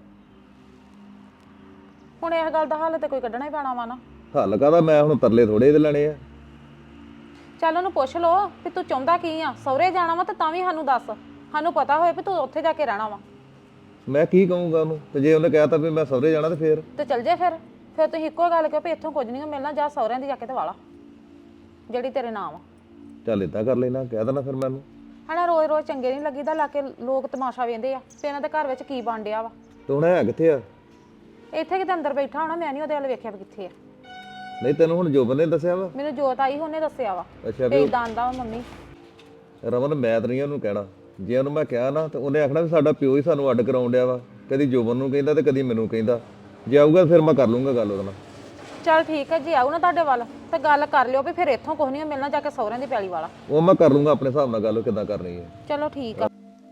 ਹੁਣ ਇਸ ਗੱਲ ਦਾ ਹੱਲ ਤੇ ਕੋਈ ਕੱਢਣਾ ਹੀ ਪੈਣਾ ਵਾ ਨਾ।
ਹੱਲ ਕਾਹਦਾ? ਮੈਂ ਹੁਣ ਤਰਲੇ ਥੋੜੇ ਇਹਦੇ ਲੈਣੇ ਆ।
ਚੱਲ ਉਹਨੂੰ ਪੁੱਛ ਲੋ ਵੀ ਤੂੰ ਚਾਹੁੰਦਾ ਕੀ ਆ। ਸਹੁਰੇ ਜਾਣਾ ਵਾ ਤੇ ਤਾਂ ਵੀ ਸਾਨੂੰ ਦੱਸ, ਸਾਨੂੰ ਪਤਾ ਹੋਏ ਵੀ ਤੂੰ ਉੱਥੇ ਜਾ ਕੇ ਰਹਿਣਾ ਵਾ।
ਮੈਂ ਕੀ ਕਹੂੰਗਾ ਉਹਨੂੰ? ਤੇ ਜੇ ਉਹਨੇ ਕਹਿਤਾ ਵੀ ਮੈਂ ਸਹੁਰੇ ਜਾਣਾ ਤੇ ਫੇਰ
ਤੇ ਚੱਲ ਜੇ। ਫਿਰ ਫਿਰ ਤੁਸੀਂ ਇੱਕੋ ਗੱਲ ਕਹੋ ਵੀ ਇੱਥੋਂ ਕੁਝ ਨਹੀਂ ਮਿਲਣਾ, ਜਾ ਸਹੁਰਿਆਂ ਦੀ ਜਾ ਕੇ ਤੇ ਵਾਲਾ ਜਿਹੜੀ ਤੇਰੇ ਨਾਮ ਆ।
ਚੱਲ ਏਦਾਂ ਕਰ ਲੈਣਾ, ਕਹਿ ਦੇਣਾ ਫਿਰ ਮੈਨੂੰ।
ਹਨਾ ਰੋਜ਼ ਰੋਜ਼ ਚੰਗੇ ਨਹੀਂ ਲੱਗੀਦਾ, ਲਾ ਕੇ ਲੋਕ ਤਮਾਸ਼ਾ ਵੇਂਦੇ ਆ ਤੇ ਇਹਨਾਂ ਦੇ ਘਰ ਵਿੱਚ ਕੀ ਬਣ ਡਿਆ ਵਾ।
ਤੇ ਹੁਣ ਹੈ ਕਿੱਥੇ ਆ?
ਇੱਥੇ ਕਿਤੇ ਅੰਦਰ ਬੈਠਾ ਹੋਣਾ, ਮੈਂ ਨਹੀਂ ਉਹਦੇ ਵੱਲ ਵੇਖਿਆ ਵੀ ਕਿੱਥੇ ਆ।
ਨਹੀਂ ਤੈਨੂੰ ਹੁਣ ਜੋਬਨ ਨੇ ਦੱਸਿਆ ਵਾ?
ਮੈਨੂੰ ਜੋਤ ਆਈ ਉਹਨੇ ਦੱਸਿਆ ਵਾ
ਅੱਛਾ
ਵੀ
ਵੀ
ਇਦਾਂ ਆਂਦਾ ਵਾ ਮੰਮੀ।
ਰਮਨ ਮੈਂ ਤਾਂ ਨਹੀਂ ਉਹਨੂੰ ਕਹਿਣਾ। ਜੇ ਉਹਨੂੰ ਮੈਂ ਕਿਹਾ ਨਾ ਤੇ ਉਹਨੇ ਆਖਣਾ ਵੀ ਸਾਡਾ ਪਿਓ ਹੀ ਸਾਨੂੰ ਅੱਡ ਕਰਾਉਣ ਡਿਆ ਵਾ, ਕਦੀ ਜੋਬਨ ਨੂੰ ਕਹਿੰਦਾ ਤੇ ਕਦੀ ਮੈਨੂੰ ਕਹਿੰਦਾ। ਜੇ ਆਊਗਾ ਫਿਰ ਮੈਂ ਕਰ ਲੂੰਗਾ ਗੱਲ ਉਹਦੇ ਨਾਲ।
ਚੱਲ ਠੀਕ ਹੈ, ਜੇ ਆਊ ਨਾ ਤੁਹਾਡੇ ਵੱਲ ਤੇ ਗੱਲ ਕਰ ਲਿਓ ਵੀ ਫਿਰ ਇੱਥੋਂ ਕੁਝ ਨਹੀਂ ਮਿਲਣਾ, ਜਾ ਕੇ ਸਹੁਰਿਆਂ ਦੀ ਪੈਲੀ ਵਾਲਾ।
ਉਹ ਮੈਂ ਕਰ ਲੂੰਗਾ ਆਪਣੇ ਹਿਸਾਬ ਨਾਲ ਗੱਲ, ਕਿੱਦਾਂ ਕਰਨੀ ਹੈ।
ਚਲੋ ਠੀਕ ਆ।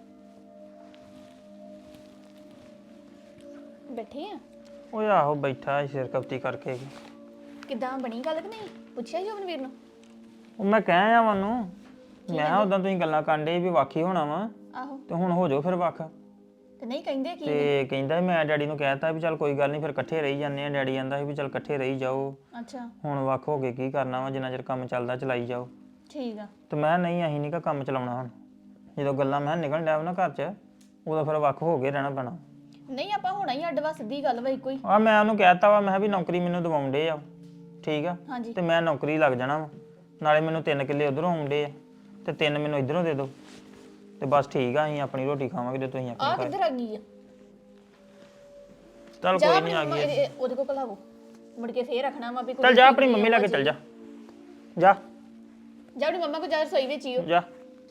ਬੈਠੇ ਆ?
ਓਏ ਆਹੋ ਬੈਠਾ ਸਿਰ ਕਪਤੀ ਕਰਕੇ।
ਕਿੱਦਾਂ ਬਣੀ ਗੱਲ ਕਿ ਨਹੀਂ? ਪੁੱਛਿਆ ਜੋਬਨਵੀਰ ਨੂੰ?
ਉਹ ਮੈਂ ਕਹਿ ਆ ਉਹਨੂੰ, ਮੈਂ ਕਿਹਾ ਉਦਾਂ ਤੁਸੀਂ ਗੱਲਾਂ ਕਾਂਡੇ ਵੀ ਵਾਕੀ ਹੋਣਾ ਵਾ
ਆਹੋ
ਤੇ ਹੁਣ ਹੋ ਜਾਓ ਫਿਰ ਵੱਖ।
ਤੇ ਨਹੀਂ ਕਹਿੰਦੇ ਕੀ?
ਤੇ ਕਹਿੰਦਾ ਮੈਂ ਡੈਡੀ ਨੂੰ ਕਹਿਤਾ ਵੀ ਚੱਲ ਕੋਈ ਗੱਲ ਨਹੀਂ ਫਿਰ ਇਕੱਠੇ ਰਹੀ ਜਾਂਦੇ ਆ। ਡੈਡੀ ਕਹਿੰਦਾ ਸੀ ਵੀ ਚੱਲ ਇਕੱਠੇ ਰਹੀ ਜਾਓ,
ਅੱਛਾ
ਹੁਣ ਵੱਖ ਹੋ ਕੇ ਕੀ ਕਰਨਾ ਵਾ, ਜਿੰਨਾ ਚਿਰ ਕੰਮ ਚੱਲਦਾ ਚਲਾਈ ਜਾਓ।
ਠੀਕ ਆ।
ਤੇ ਮੈਂ ਨਹੀਂ ਅਸੀਂ ਨਹੀਂ ਕਾ ਕੰਮ ਚਲਾਉਣਾ ਹੁਣ। ਜਦੋਂ ਗੱਲਾਂ ਮੈਂ ਨਿਕਲਣ ਡਿਆ ਵਾ ਨਾ ਘਰ 'ਚ, ਉਦੋਂ ਫਿਰ ਵੱਖ ਹੋ ਕੇ ਰਹਿਣਾ ਪੈਣਾ।
ਨਹੀਂ ਆਪਾਂ ਹੋਣਾ ਹੀ ਅੱਡ ਵਾ, ਸਿੱਧੀ ਗੱਲ ਵਾ ਇੱਕੋ ਹੀ।
ਆ ਮੈਂ ਉਹਨੂੰ ਕਹਿਤਾ ਵਾ, ਮੈਂ ਕਿਹਾ ਵੀ ਨੌਕਰੀ ਮੈਨੂੰ ਦਿਵਾਉਂਦੇ ਆ ਠੀਕ ਆ
ਹਾਂਜੀ
ਤੇ ਮੈਂ ਨੌਕਰੀ ਲੱਗ ਜਾਣਾ ਵਾ ਨਾਲੇ ਮੈਨੂੰ ਤਿੰਨ ਕਿੱਲੇ ਉਧਰੋਂ ਆਉਂਦੇ ਆ ਤੇ ਤਿੰਨ ਮੈਨੂੰ ਇਧਰੋਂ ਦੇ ਦਿਓ ਤੇ ਬਸ ਠੀਕ ਆ ਅਸੀਂ ਆਪਣੀ ਰੋਟੀ ਖਾਵਾਂਗੇ ਜੇ ਤੁਸੀਂ
ਆ
ਆਪਣੀ ਖਾਏ
ਕਿੱਧਰ ਆ ਗਈ ਆ
ਚੱਲ
ਜਾ
ਕੋਈ
ਆਪਣੀ
ਨਹੀਂ ਆ
ਮੰਮਾ
ਗਈ
ਇਹਦੇ- ਉਹਦੇ ਕੋਲ ਕਲਾਵੋ ਮੁੜ ਕੇ ਫੇਰ ਰੱਖਣਾ ਵਾ ਵੀ
ਚੱਲ ਜਾ ਆਪਣੀ ਮੰਮੀ ਲਾਗੇ ਚੱਲ ਜਾ ਜਾ
ਜਾ ਆਪਣੀ ਮੰਮਾ ਕੋ ਜਾ ਰਸੋਈ ਵਿੱਚ ਹੀ ਹੋ
ਜਾ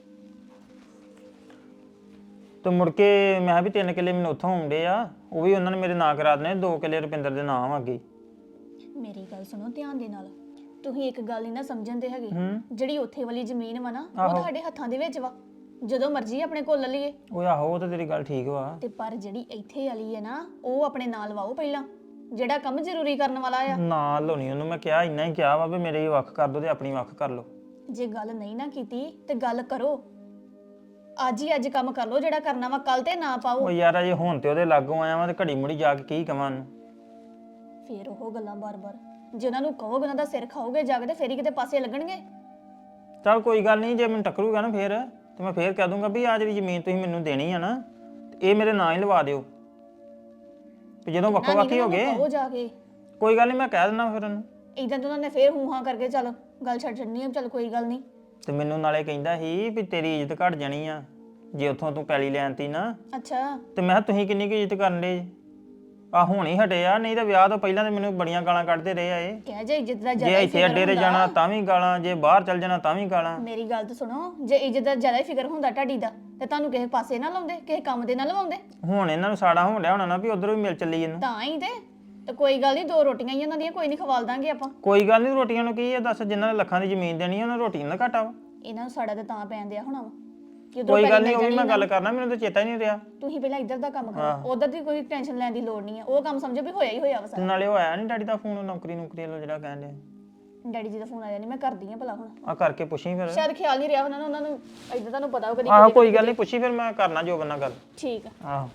ਤੇ ਮੁੜ ਕੇ ਮੈਂ ਕਿਹਾ ਵੀ ਤਿੰਨ ਕਿੱਲੇ ਮੈਨੂੰ ਉੱਥੋਂ ਆਉਂਦੇ ਆ ਉਹ ਵੀ ਉਹਨਾਂ ਨੇ ਮੇਰੇ ਨਾਂ ਕਰਾ ਦੇਣੇ ਦੋ ਕਿੱਲੇ ਰੁਪਿੰਦਰ ਦੇ ਨਾਮ ਅੱਗੇ
ਮੇਰੀ ਗੱਲ ਸੁਣੋ ਧਿਆਨ ਦੇ ਨਾਲ ਤੁਸੀਂ ਇੱਕ ਗੱਲ ਹੀ ਨਾ ਸਮਝਣ ਦੇ ਹੈਗੇ
ਹੂੰ
ਜਿਹੜੀ ਉੱਥੇ ਵਾਲੀ ਜ਼ਮੀਨ ਵਾ ਨਾ ਉਹ ਤੁਹਾਡੇ ਹੱਥਾਂ ਦੇ ਵਿੱਚ ਵਾ ਜਦੋਂ ਮਰਜ਼ੀ ਆਪਣੇ ਕੋਲ ਲੈ ਲਈਏ
ਉਹ ਆਹੋ ਉਹ ਤਾਂ ਤੇਰੀ ਗੱਲ ਠੀਕ ਵਾ
ਤੇ ਪਰ ਜਿਹੜੀ ਇੱਥੇ ਵਾਲੀ ਹੈ ਨਾ ਉਹ ਆਪਣੇ ਨਾਲ ਵਾਓ ਪਹਿਲਾਂ ਜਿਹੜਾ ਕੰਮ ਜ਼ਰੂਰੀ ਕਰਨ ਵਾਲਾ ਆ
ਨਾ ਲੋਣੀ ਉਹਨੂੰ ਮੈਂ ਕਿਹਾ ਇੰਨਾ ਹੀ ਕਿਹਾ ਵਾ ਵੀ ਮੇਰੇ ਵੱਖ ਕਰ ਦੋ ਤੇ ਆਪਣੀ ਵੱਖ ਕਰ ਲਓ
ਜੇ ਗੱਲ ਨਹੀਂ ਨਾ ਕੀਤੀ ਤੇ ਗੱਲ ਕਰੋ ਅੱਜ ਹੀ ਅੱਜ ਕੰਮ ਕਰ ਲਓ ਜਿਹੜਾ ਕਰਨਾ ਵਾ ਕੱਲ ਤੇ ਨਾ ਪਾਓ
ਉਹ ਯਾਰ ਅਜੇ ਹੁਣ ਤੇ ਉਹਦੇ ਲਾਗੋਂ ਆਇਆ ਵਾਂ ਤੇ ਘੜੀ ਮੁੜੀ ਜਾ ਕੇ ਕੀ ਕਵਾਂ ਉਹਨੂੰ
ਫੇਰ ਉਹ ਗੱਲਾਂ ਬਾਰ-ਬਾਰ ਜੇ ਉਹਨਾਂ ਨੂੰ ਕਹੋਗੇ ਉਹਨਾਂ ਦਾ ਸਿਰ ਖਾਓਗੇ ਜਾ ਕੇ ਤੇ ਫੇਰ ਹੀ ਕਿਤੇ ਪਾਸੇ ਲੱਗਣਗੇ
ਚੱਲ ਕੋਈ ਗੱਲ ਨਹੀਂ ਜੇ ਮੈਨੂੰ ਟੱਕਰੂਗਾ ਨਾ ਫੇਰ ਤੇ ਮੈਂ ਫੇਰ ਕਹਿ ਦੂੰਗਾ ਵੀ ਆ ਜਿਹੜੀ ਜ਼ਮੀਨ ਤੁਸੀਂ ਮੈਨੂੰ ਦੇਣੀ ਆ ਨਾ ਤੇ ਇਹ ਮੇਰੇ ਨਾਂ ਹੀ ਲਵਾ ਦਿਓ ਤੇ ਜਦੋਂ ਵੱਖੋ ਵੱਖੀ ਹੋ ਗਏ
ਕਹੋ ਜਾ ਕੇ
ਕੋਈ ਗੱਲ ਨਹੀਂ ਮੈਂ ਕਹਿ ਦਿੰਦਾ ਫਿਰ ਉਹਨੂੰ
ਇਦਾਂ ਤਾਂ ਉਹਨਾਂ ਨੇ ਫੇਰ ਹੂੰ ਹਾਂ ਕਰਕੇ ਚੱਲ ਗੱਲ ਛੱਡ ਛੱਡਣੀ ਆ ਚੱਲ ਕੋਈ ਗੱਲ ਨਹੀਂ
ਤੇ ਮੈਨੂੰ ਨਾਲੇ ਕਹਿੰਦਾ ਸੀ ਵੀ ਤੇਰੀ ਇੱਜ਼ਤ ਘਟ ਜਾਣੀ ਆ ਜੇ ਉੱਥੋਂ ਤੂੰ ਪੈਲੀ ਲੈਣਤੀ ਨਾ
ਅੱਛਾ
ਤੇ ਮੈਂ ਕਿਹਾ ਤੁਸੀਂ ਕਿੰਨੀ ਕੁ ਇੱਜ਼ਤ ਕਰਨ ਦੇ ਆ ਹੁਣ ਹੀ ਹਟੇ ਆ ਨਹੀਂ ਤਾਂ ਵਿਆਹ ਤੋਂ ਪਹਿਲਾਂ ਤੇ ਮੈਨੂੰ ਬੜੀਆਂ ਗਾਲਾਂ ਕੱਢਦੇ ਰਹੇ ਆ ਇਹ
ਕਹਿ ਜੇ ਇੱਜ਼ਤ ਦਾ
ਜੇ
ਜ਼ਿਆਦਾ ਹੀ
ਇੱਥੇ
ਫਿਕਰ
ਅੱਡੇ ਤੇ
ਹੁੰਦਾ।
ਜਾਣਾ ਤਾਂ ਵੀ ਗਾਲਾਂ ਜੇ ਬਾਹਰ ਚੱਲ ਜਾਣਾ ਤਾਂ ਵੀ ਗਾਲਾਂ
ਮੇਰੀ ਗੱਲ ਤਾਂ ਸੁਣੋ ਜੇ ਇੱਜ਼ਤ ਦਾ ਜ਼ਿਆਦਾ ਹੀ ਫਿਕਰ ਹੁੰਦਾ ਤੁਹਾਡੀ ਦਾ ਤੇ ਤੁਹਾਨੂੰ ਕਿਸੇ ਪਾਸੇ ਨਾ ਲਾਉਂਦੇ ਕਿਸੇ ਕੰਮ ਦੇ ਨਾ ਲਵਾਉਂਦੇ
ਹੁਣ ਇਹਨਾਂ ਨੂੰ ਸਾੜਾ ਹੋਣ ਡਿਆ ਹੋਣਾ ਨਾ ਵੀ ਉਧਰੋਂ ਵੀ ਮਿਲ ਚੱਲੀ ਇਹਨੂੰ
ਤਾਂ ਹੀ ਤੇ ਤੇ ਕੋਈ ਗੱਲ ਨਹੀਂ ਦੋ ਰੋਟੀਆਂ ਹੀ ਉਹਨਾਂ ਦੀਆਂ ਕੋਈ ਨਹੀਂ ਖਵਾਲ ਦਾਂਗੇ ਆਪਾਂ
ਕੋਈ ਗੱਲ ਨਹੀਂ ਰੋਟੀਆਂ ਨੂੰ ਕੀ ਆ ਦੱਸ ਜਿਨ੍ਹਾਂ ਨੇ ਲੱਖਾਂ ਦੀ ਜ਼ਮੀਨ ਦੇਣੀ ਆ ਉਹਨਾਂ ਰੋਟੀਆਂ ਦਾ ਘਾਟਾ ਵਾ
ਇਹਨਾਂ ਨੂੰ ਸਾਡਾ ਤੇ ਤਾਂ ਪੈਣ ਦਿਆ ਹੋਣਾ ਵਾ ਕਿ ਉੱਧਰੋਂ
ਕੋਈ ਗੱਲ
ਪੈਲੀ
ਨਹੀਂ ਉਹ ਵੀ
ਮਿਲ
ਮੈਂ
ਜਾਣੀ
ਗੱਲ ਕਰਨਾ ਮੈਨੂੰ ਤਾਂ ਚੇਤਾ ਹੀ ਨਹੀਂ ਰਿਹਾ
ਤੁਸੀਂ ਪਹਿਲਾਂ ਇੱਧਰ ਦਾ ਕੰਮ ਕਰੋ ਉਧਰ ਦੀ ਕੋਈ ਟੈਨਸ਼ਨ ਲੈਣ ਦੀ ਲੋੜ ਨਹੀਂ ਹੈ ਉਹ ਕੰਮ ਸਮਝੋ ਵੀ ਹੋਇਆ ਹੀ ਹੋਇਆ ਵਾ
ਤੇ
ਸਾਰਾ
ਨਾਲੇ ਉਹ ਆਇਆ ਨਹੀਂ ਡੈਡੀ ਦਾ ਫੋਨ ਨੌਕਰੀ ਨੌਕਰੀ ਵਾਲਾ ਜਿਹੜਾ ਕਹਿਣ ਡਿਆ
ਡੈਡੀ ਜੀ ਦਾ ਫੋਨ ਆਇਆ ਨਹੀਂ ਮੈਂ ਕਰਦੀ ਆ ਭਲਾ ਹੁਣ
ਆ ਕਰਕੇ ਪੁੱਛੀ ਫਿਰ
ਸ਼ਾਇਦ ਖਿਆਲ ਨਹੀਂ ਰਿਹਾ ਉਹਨਾਂ ਨੂੰ ਉਹਨਾਂ ਨੂੰ ਇੱਧਰ ਤੁਹਾਨੂੰ ਪਤਾ ਹੋਊਗਾ
ਆਹੋ ਕੋਈ ਗੱਲ ਨਹੀਂ ਪੁੱਛੀ ਫਿਰ ਮੈਂ ਕਰਨਾ ਜੋ ਬੰਨਾ ਗੱਲ
ਠੀਕ ਆ
ਆਹੋ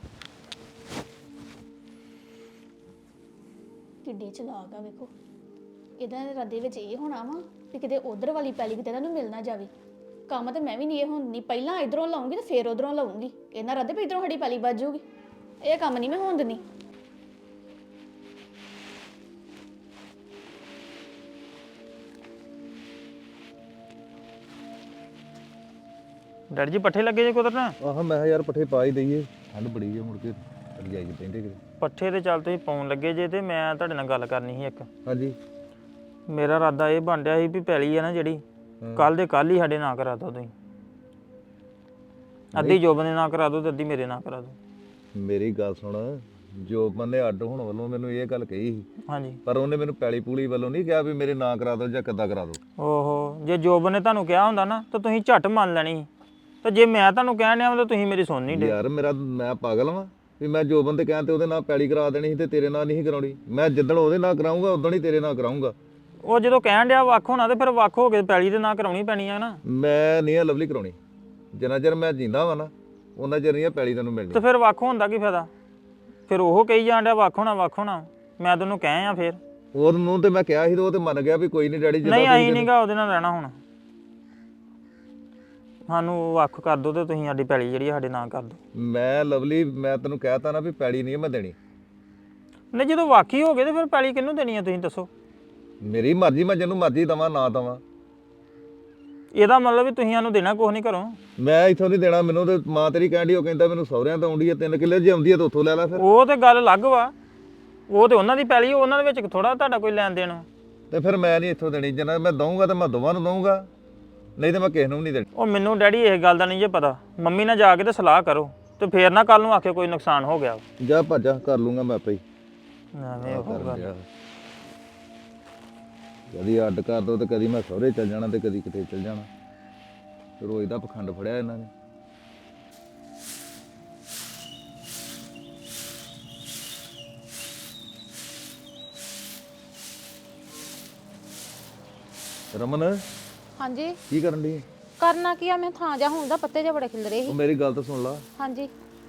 ਕਿੱਡੇ ਚਲਾਕ ਆ ਵੇਖੋ ਇਹਦਾ ਇਰਾਦੇ ਵਿੱਚ ਇਹ ਹੋਣਾ ਵਾ ਵੀ ਕਿਤੇ ਉਧਰ ਵਾਲੀ ਪੈਲੀ ਕਿਤੇ ਇਹਨਾਂ ਨੂੰ ਮਿਲ ਨਾ ਜਾਵੇ ਕੰਮ ਤੇ ਮੈਂ ਵੀ ਨਹੀਂ ਇਹ ਹੁਣ ਨਹੀਂ ਪਹਿਲਾਂ ਇਧਰੋਂ ਲਾਉਂਗੀ ਤੇ ਫੇਰ ਉਧਰੋਂ ਲਾਉਂਗੀ ਇਹਨਾਂ ਇਰਾਦੇ ਵੀ ਇਧਰੋਂ ਸਾਡੀ ਪੈਲੀ ਵੱਜ ਜਾਊਗੀ ਇਹ ਕੰਮ ਨਹੀਂ ਮੈਂ ਹੋਣ ਦਿੰਦੀ
ਡੈਡੀ ਜੀ ਪੱਠੇ ਲੱਗੇ ਜੇ ਕੁਦਰਨਾ
ਆਹ ਮੈਂ ਕਿਹਾ ਯਾਰ ਪੱਠੇ ਪਾ ਹੀ ਦਈਏ ਠੰਡ ਬੜੀ ਹੈ ਮੁੜ ਕੇ ਰਜਾਈ 'ਚ ਪੈਂਦੇ ਕਿਤੇ
ਪੱਠੇ ਤੇ ਚੱਲ ਤੁਸੀਂ ਪਾਉਣ ਲੱਗੇ ਜੇ ਤੇ ਮੈਂ ਤੁਹਾਡੇ ਨਾਲ ਗੱਲ ਕਰਨੀ ਸੀ ਇੱਕ
ਹਾਂਜੀ
ਮੇਰਾ ਇਰਾਦਾ ਇਹ ਬਣ ਰਿਹਾ ਸੀ ਵੀ ਪੈਲੀ ਆ ਨਾ ਜਿਹੜੀ ਕੱਲ ਦੇ ਕੱਲ ਹੀ ਸਾਡੇ ਨਾਂ ਕਰਾ ਦਿਓ ਤੁਸੀਂ ਅੱਧੀ ਜੋਬਨ ਦੇ ਨਾਂ ਕਰਾ ਦਿਓ ਤੇ ਅੱਧੀ ਮੇਰੇ ਨਾਂ ਕਰਾ ਦਿਓ
ਮੇਰੀ ਗੱਲ ਸੁਣ ਜੋ ਬੰਦੇ ਅੱਡ ਹੋਣ ਵੱਲੋਂ ਮੈਨੂੰ ਇਹ ਗੱਲ ਕਹੀ ਸੀ
ਹਾਂਜੀ
ਪਰ ਉਹਨੇ ਮੈਨੂੰ ਪੈਲੀ ਪੂਲੀ ਵੱਲੋਂ ਨਹੀਂ ਕਿਹਾ ਵੀ ਮੇਰੇ ਨਾਂ ਕਰਾ ਦਿਓ ਜਾਂ ਕਿੱਦਾਂ ਕਰਾ ਦਿਓ
ਓਹੋ ਜੇ ਜੋਬਨ ਨੇ ਤੁਹਾਨੂੰ ਕਿਹਾ ਹੁੰਦਾ ਨਾ ਤਾਂ ਤੁਸੀਂ ਝੱਟ ਮੰਨ ਲੈਣੀ ਸੀ। ਤੇ ਜੇ ਮੈਂ ਤੁਹਾਨੂੰ ਕਹਿਣ ਡਿਆ ਤਾਂ ਤੁਸੀਂ ਮੇਰੀ ਸੁਣ ਨਹੀਂ ਡੇ
ਯਾਰ ਮੇਰਾ ਮੈਂ ਪਾਗਲ ਵਾਂ ਵੀ ਮੈਂ ਜੋਬਨ ਤੇ ਕਹਿਣ ਤੇ ਉਹਦੇ ਨਾਲ ਪੈਲੀ ਕਰਾ ਦੇਣੀ ਸੀ ਤੇ ਤੇਰੇ ਨਾਲ ਨਹੀਂ ਕਰਾਉਣੀ ਮੈਂ ਜਿੱਦਣ ਉਹਦੇ ਨਾਲ ਕਰਾਉਂਗਾ ਉਦੋਂ ਹੀ ਤੇਰੇ ਨਾਲ ਕਰਾਉਂਗਾ
ਉਹ ਜਦੋਂ ਕਹਿਣ ਡਿਆ ਵੱਖ ਹੋਣਾ ਤੇ ਫਿਰ ਵੱਖ ਹੋ ਕੇ ਪੈਲੀ ਦੇ ਨਾਂ ਕਰਾਉਣੀ ਪੈਣੀ ਆ ਨਾ
ਮੈਂ ਨਹੀਂ ਇਹ ਲਵਲੀ ਕਰਾਉਣੀ ਜਿੰਨਾ ਚਿਰ ਮੈਂ ਜਿੰਦਾ ਵਾਂ ਨਾ ਉਹਨਾਂ ਚਿਰ ਨਹੀਂ ਇਹ ਪੈਲੀ ਤੈਨੂੰ ਮਿਲਣੀ
ਤੇ ਫਿਰ ਵੱਖ ਹੋਣ ਦਾ ਕੀ ਫਾਇਦਾ ਫਿਰ ਉਹ ਕਹੀ ਜਾਣ ਡਿਆ ਵੱਖ ਹੋਣਾ ਵੱਖ ਹੋਣਾ ਮੈਂ ਤੈਨੂੰ ਕਹਿ ਆ ਫਿਰ
ਉਹਨੂੰ ਤੇ ਮੈਂ ਕਿਹਾ ਸੀ ਤੇ ਉਹ ਤੇ ਮੰਨ ਗਿਆ ਵੀ ਕੋਈ ਨਹੀਂ ਡੈਡੀ
ਨਹੀਂ ਆਈ ਨਹੀਂਗਾ ਉਹਦੇ ਨਾਲ ਰਹਿਣਾ ਹੁਣ ਸਾਨੂੰ ਵੱਖ ਕਰ ਦੋ ਤੇ ਤੁਸੀਂ ਸਾਡੀ ਪੈਲੀ ਜਿਹੜੀ ਸਾਡੇ ਨਾਂ ਕਰ ਦਿਓ
ਮੈਂ ਲਵਲੀ ਮੈਂ ਤੈਨੂੰ ਕਹਿਤਾ ਨਾ ਵੀ ਪੈਲੀ ਨਹੀਂ ਮੈਂ ਦੇਣੀ
ਨਹੀਂ ਜਦੋਂ ਵਾਕੀ ਹੋ ਗਏ ਤੇ ਫਿਰ ਪੈਲੀ ਕਿਹਨੂੰ ਦੇਣੀ ਆ ਤੁਸੀਂ ਦੱਸੋ
ਮੇਰੀ ਮਰਜ਼ੀ ਮੈਂ ਜਿਹਨੂੰ ਮਰਜ਼ੀ ਦਵਾਂ ਨਾ ਦਵਾਂ
ਇਹਦਾ ਮਤਲਬ ਵੀ ਤੁਸੀਂ ਸਾਨੂੰ ਦੇਣਾ ਕੁਛ ਨਹੀਂ ਘਰੋਂ
ਮੈਂ ਇੱਥੋਂ ਨਹੀਂ ਦੇਣਾ ਮੈਨੂੰ ਤੇ ਮਾਂ ਤੇਰੀ ਕਹਿੰਦੀ ਉਹ ਕਹਿੰਦਾ ਮੈਨੂੰ ਸਹੁਰਿਆਂ ਤੋਂ ਆਉਂਦੀ ਹੈ ਤਿੰਨ ਕਿੱਲੇ ਜੇ ਆਉਂਦੀ ਹੈ ਤਾਂ ਉੱਥੋਂ ਲੈ ਲੈ ਫਿਰ
ਉਹ ਤੇ ਗੱਲ ਅਲੱਗ ਵਾ ਉਹ ਤੇ ਉਹਨਾਂ ਦੀ ਪੈਲੀ ਉਹਨਾਂ ਦੇ ਵਿੱਚ ਥੋੜਾ ਤੁਹਾਡਾ ਕੋਈ ਲੈਣ ਦੇਣ
ਤੇ ਫਿਰ ਮੈਂ ਨਹੀਂ ਇੱਥੋਂ ਦੇਣੀ ਜਿੰਨਾ ਮੈਂ ਦਊਂਗਾ ਤਾਂ ਮੈਂ ਦੋਵਾਂ ਨੂੰ ਦਊਂਗਾ ਨਹੀਂ ਤੇ ਮੈਂ ਕਿਸੇ ਨੂੰ ਵੀ ਨਹੀਂ ਦੇਣੀ
ਉਹ ਮੈਨੂੰ ਡੈਡੀ ਇਹ ਗੱਲ ਦਾ ਨਹੀਂ ਜੇ ਪਤਾ ਮੰਮੀ ਨਾਲ ਜਾ ਕੇ ਤੇ ਸਲਾਹ ਕਰੋ ਤੇ ਫੇਰ ਨਾ ਕੱਲ ਨੂੰ ਆਖੇ ਕੋਈ ਨੁਕਸਾਨ ਹੋ ਗਿਆ
ਜਾ ਭੱਜਾ ਕਰ ਲੂੰਗਾ ਮੈਂ ਆਪੇ ਹੀ
ਐਵੇਂ ਉਹ ਗੱਲ
ਕਦੀ ਅੱਡ ਕਰ ਦੋ ਤੇ ਕਦੀ ਮੈਂ ਸਹੁਰੇ ਚੱਲ ਜਾਣਾ ਤੇ ਕਦੀ ਕਿਤੇ ਚੱਲ ਜਾਣਾ ਰੋਜ਼ ਦਾ ਪਖੰਡ ਫੜਿਆ ਇਹਨਾਂ ਨੇ ਰਮਨ
ਹਾਂਜੀ
ਕੀ ਕਰਨ ਦੀ
ਕਰਨਾ ਕੀ ਆ ਮੈਂ ਥਾਂ ਜਾ ਹੁੰਦਾ ਪੱਤੇ ਜੇ ਬੜੇ ਖਿਲ ਰਹੇ
ਉਹ
ਸੀ
ਮੇਰੀ ਗੱਲ ਤਾਂ ਸੁਣ ਲਾ
ਹਾਂਜੀ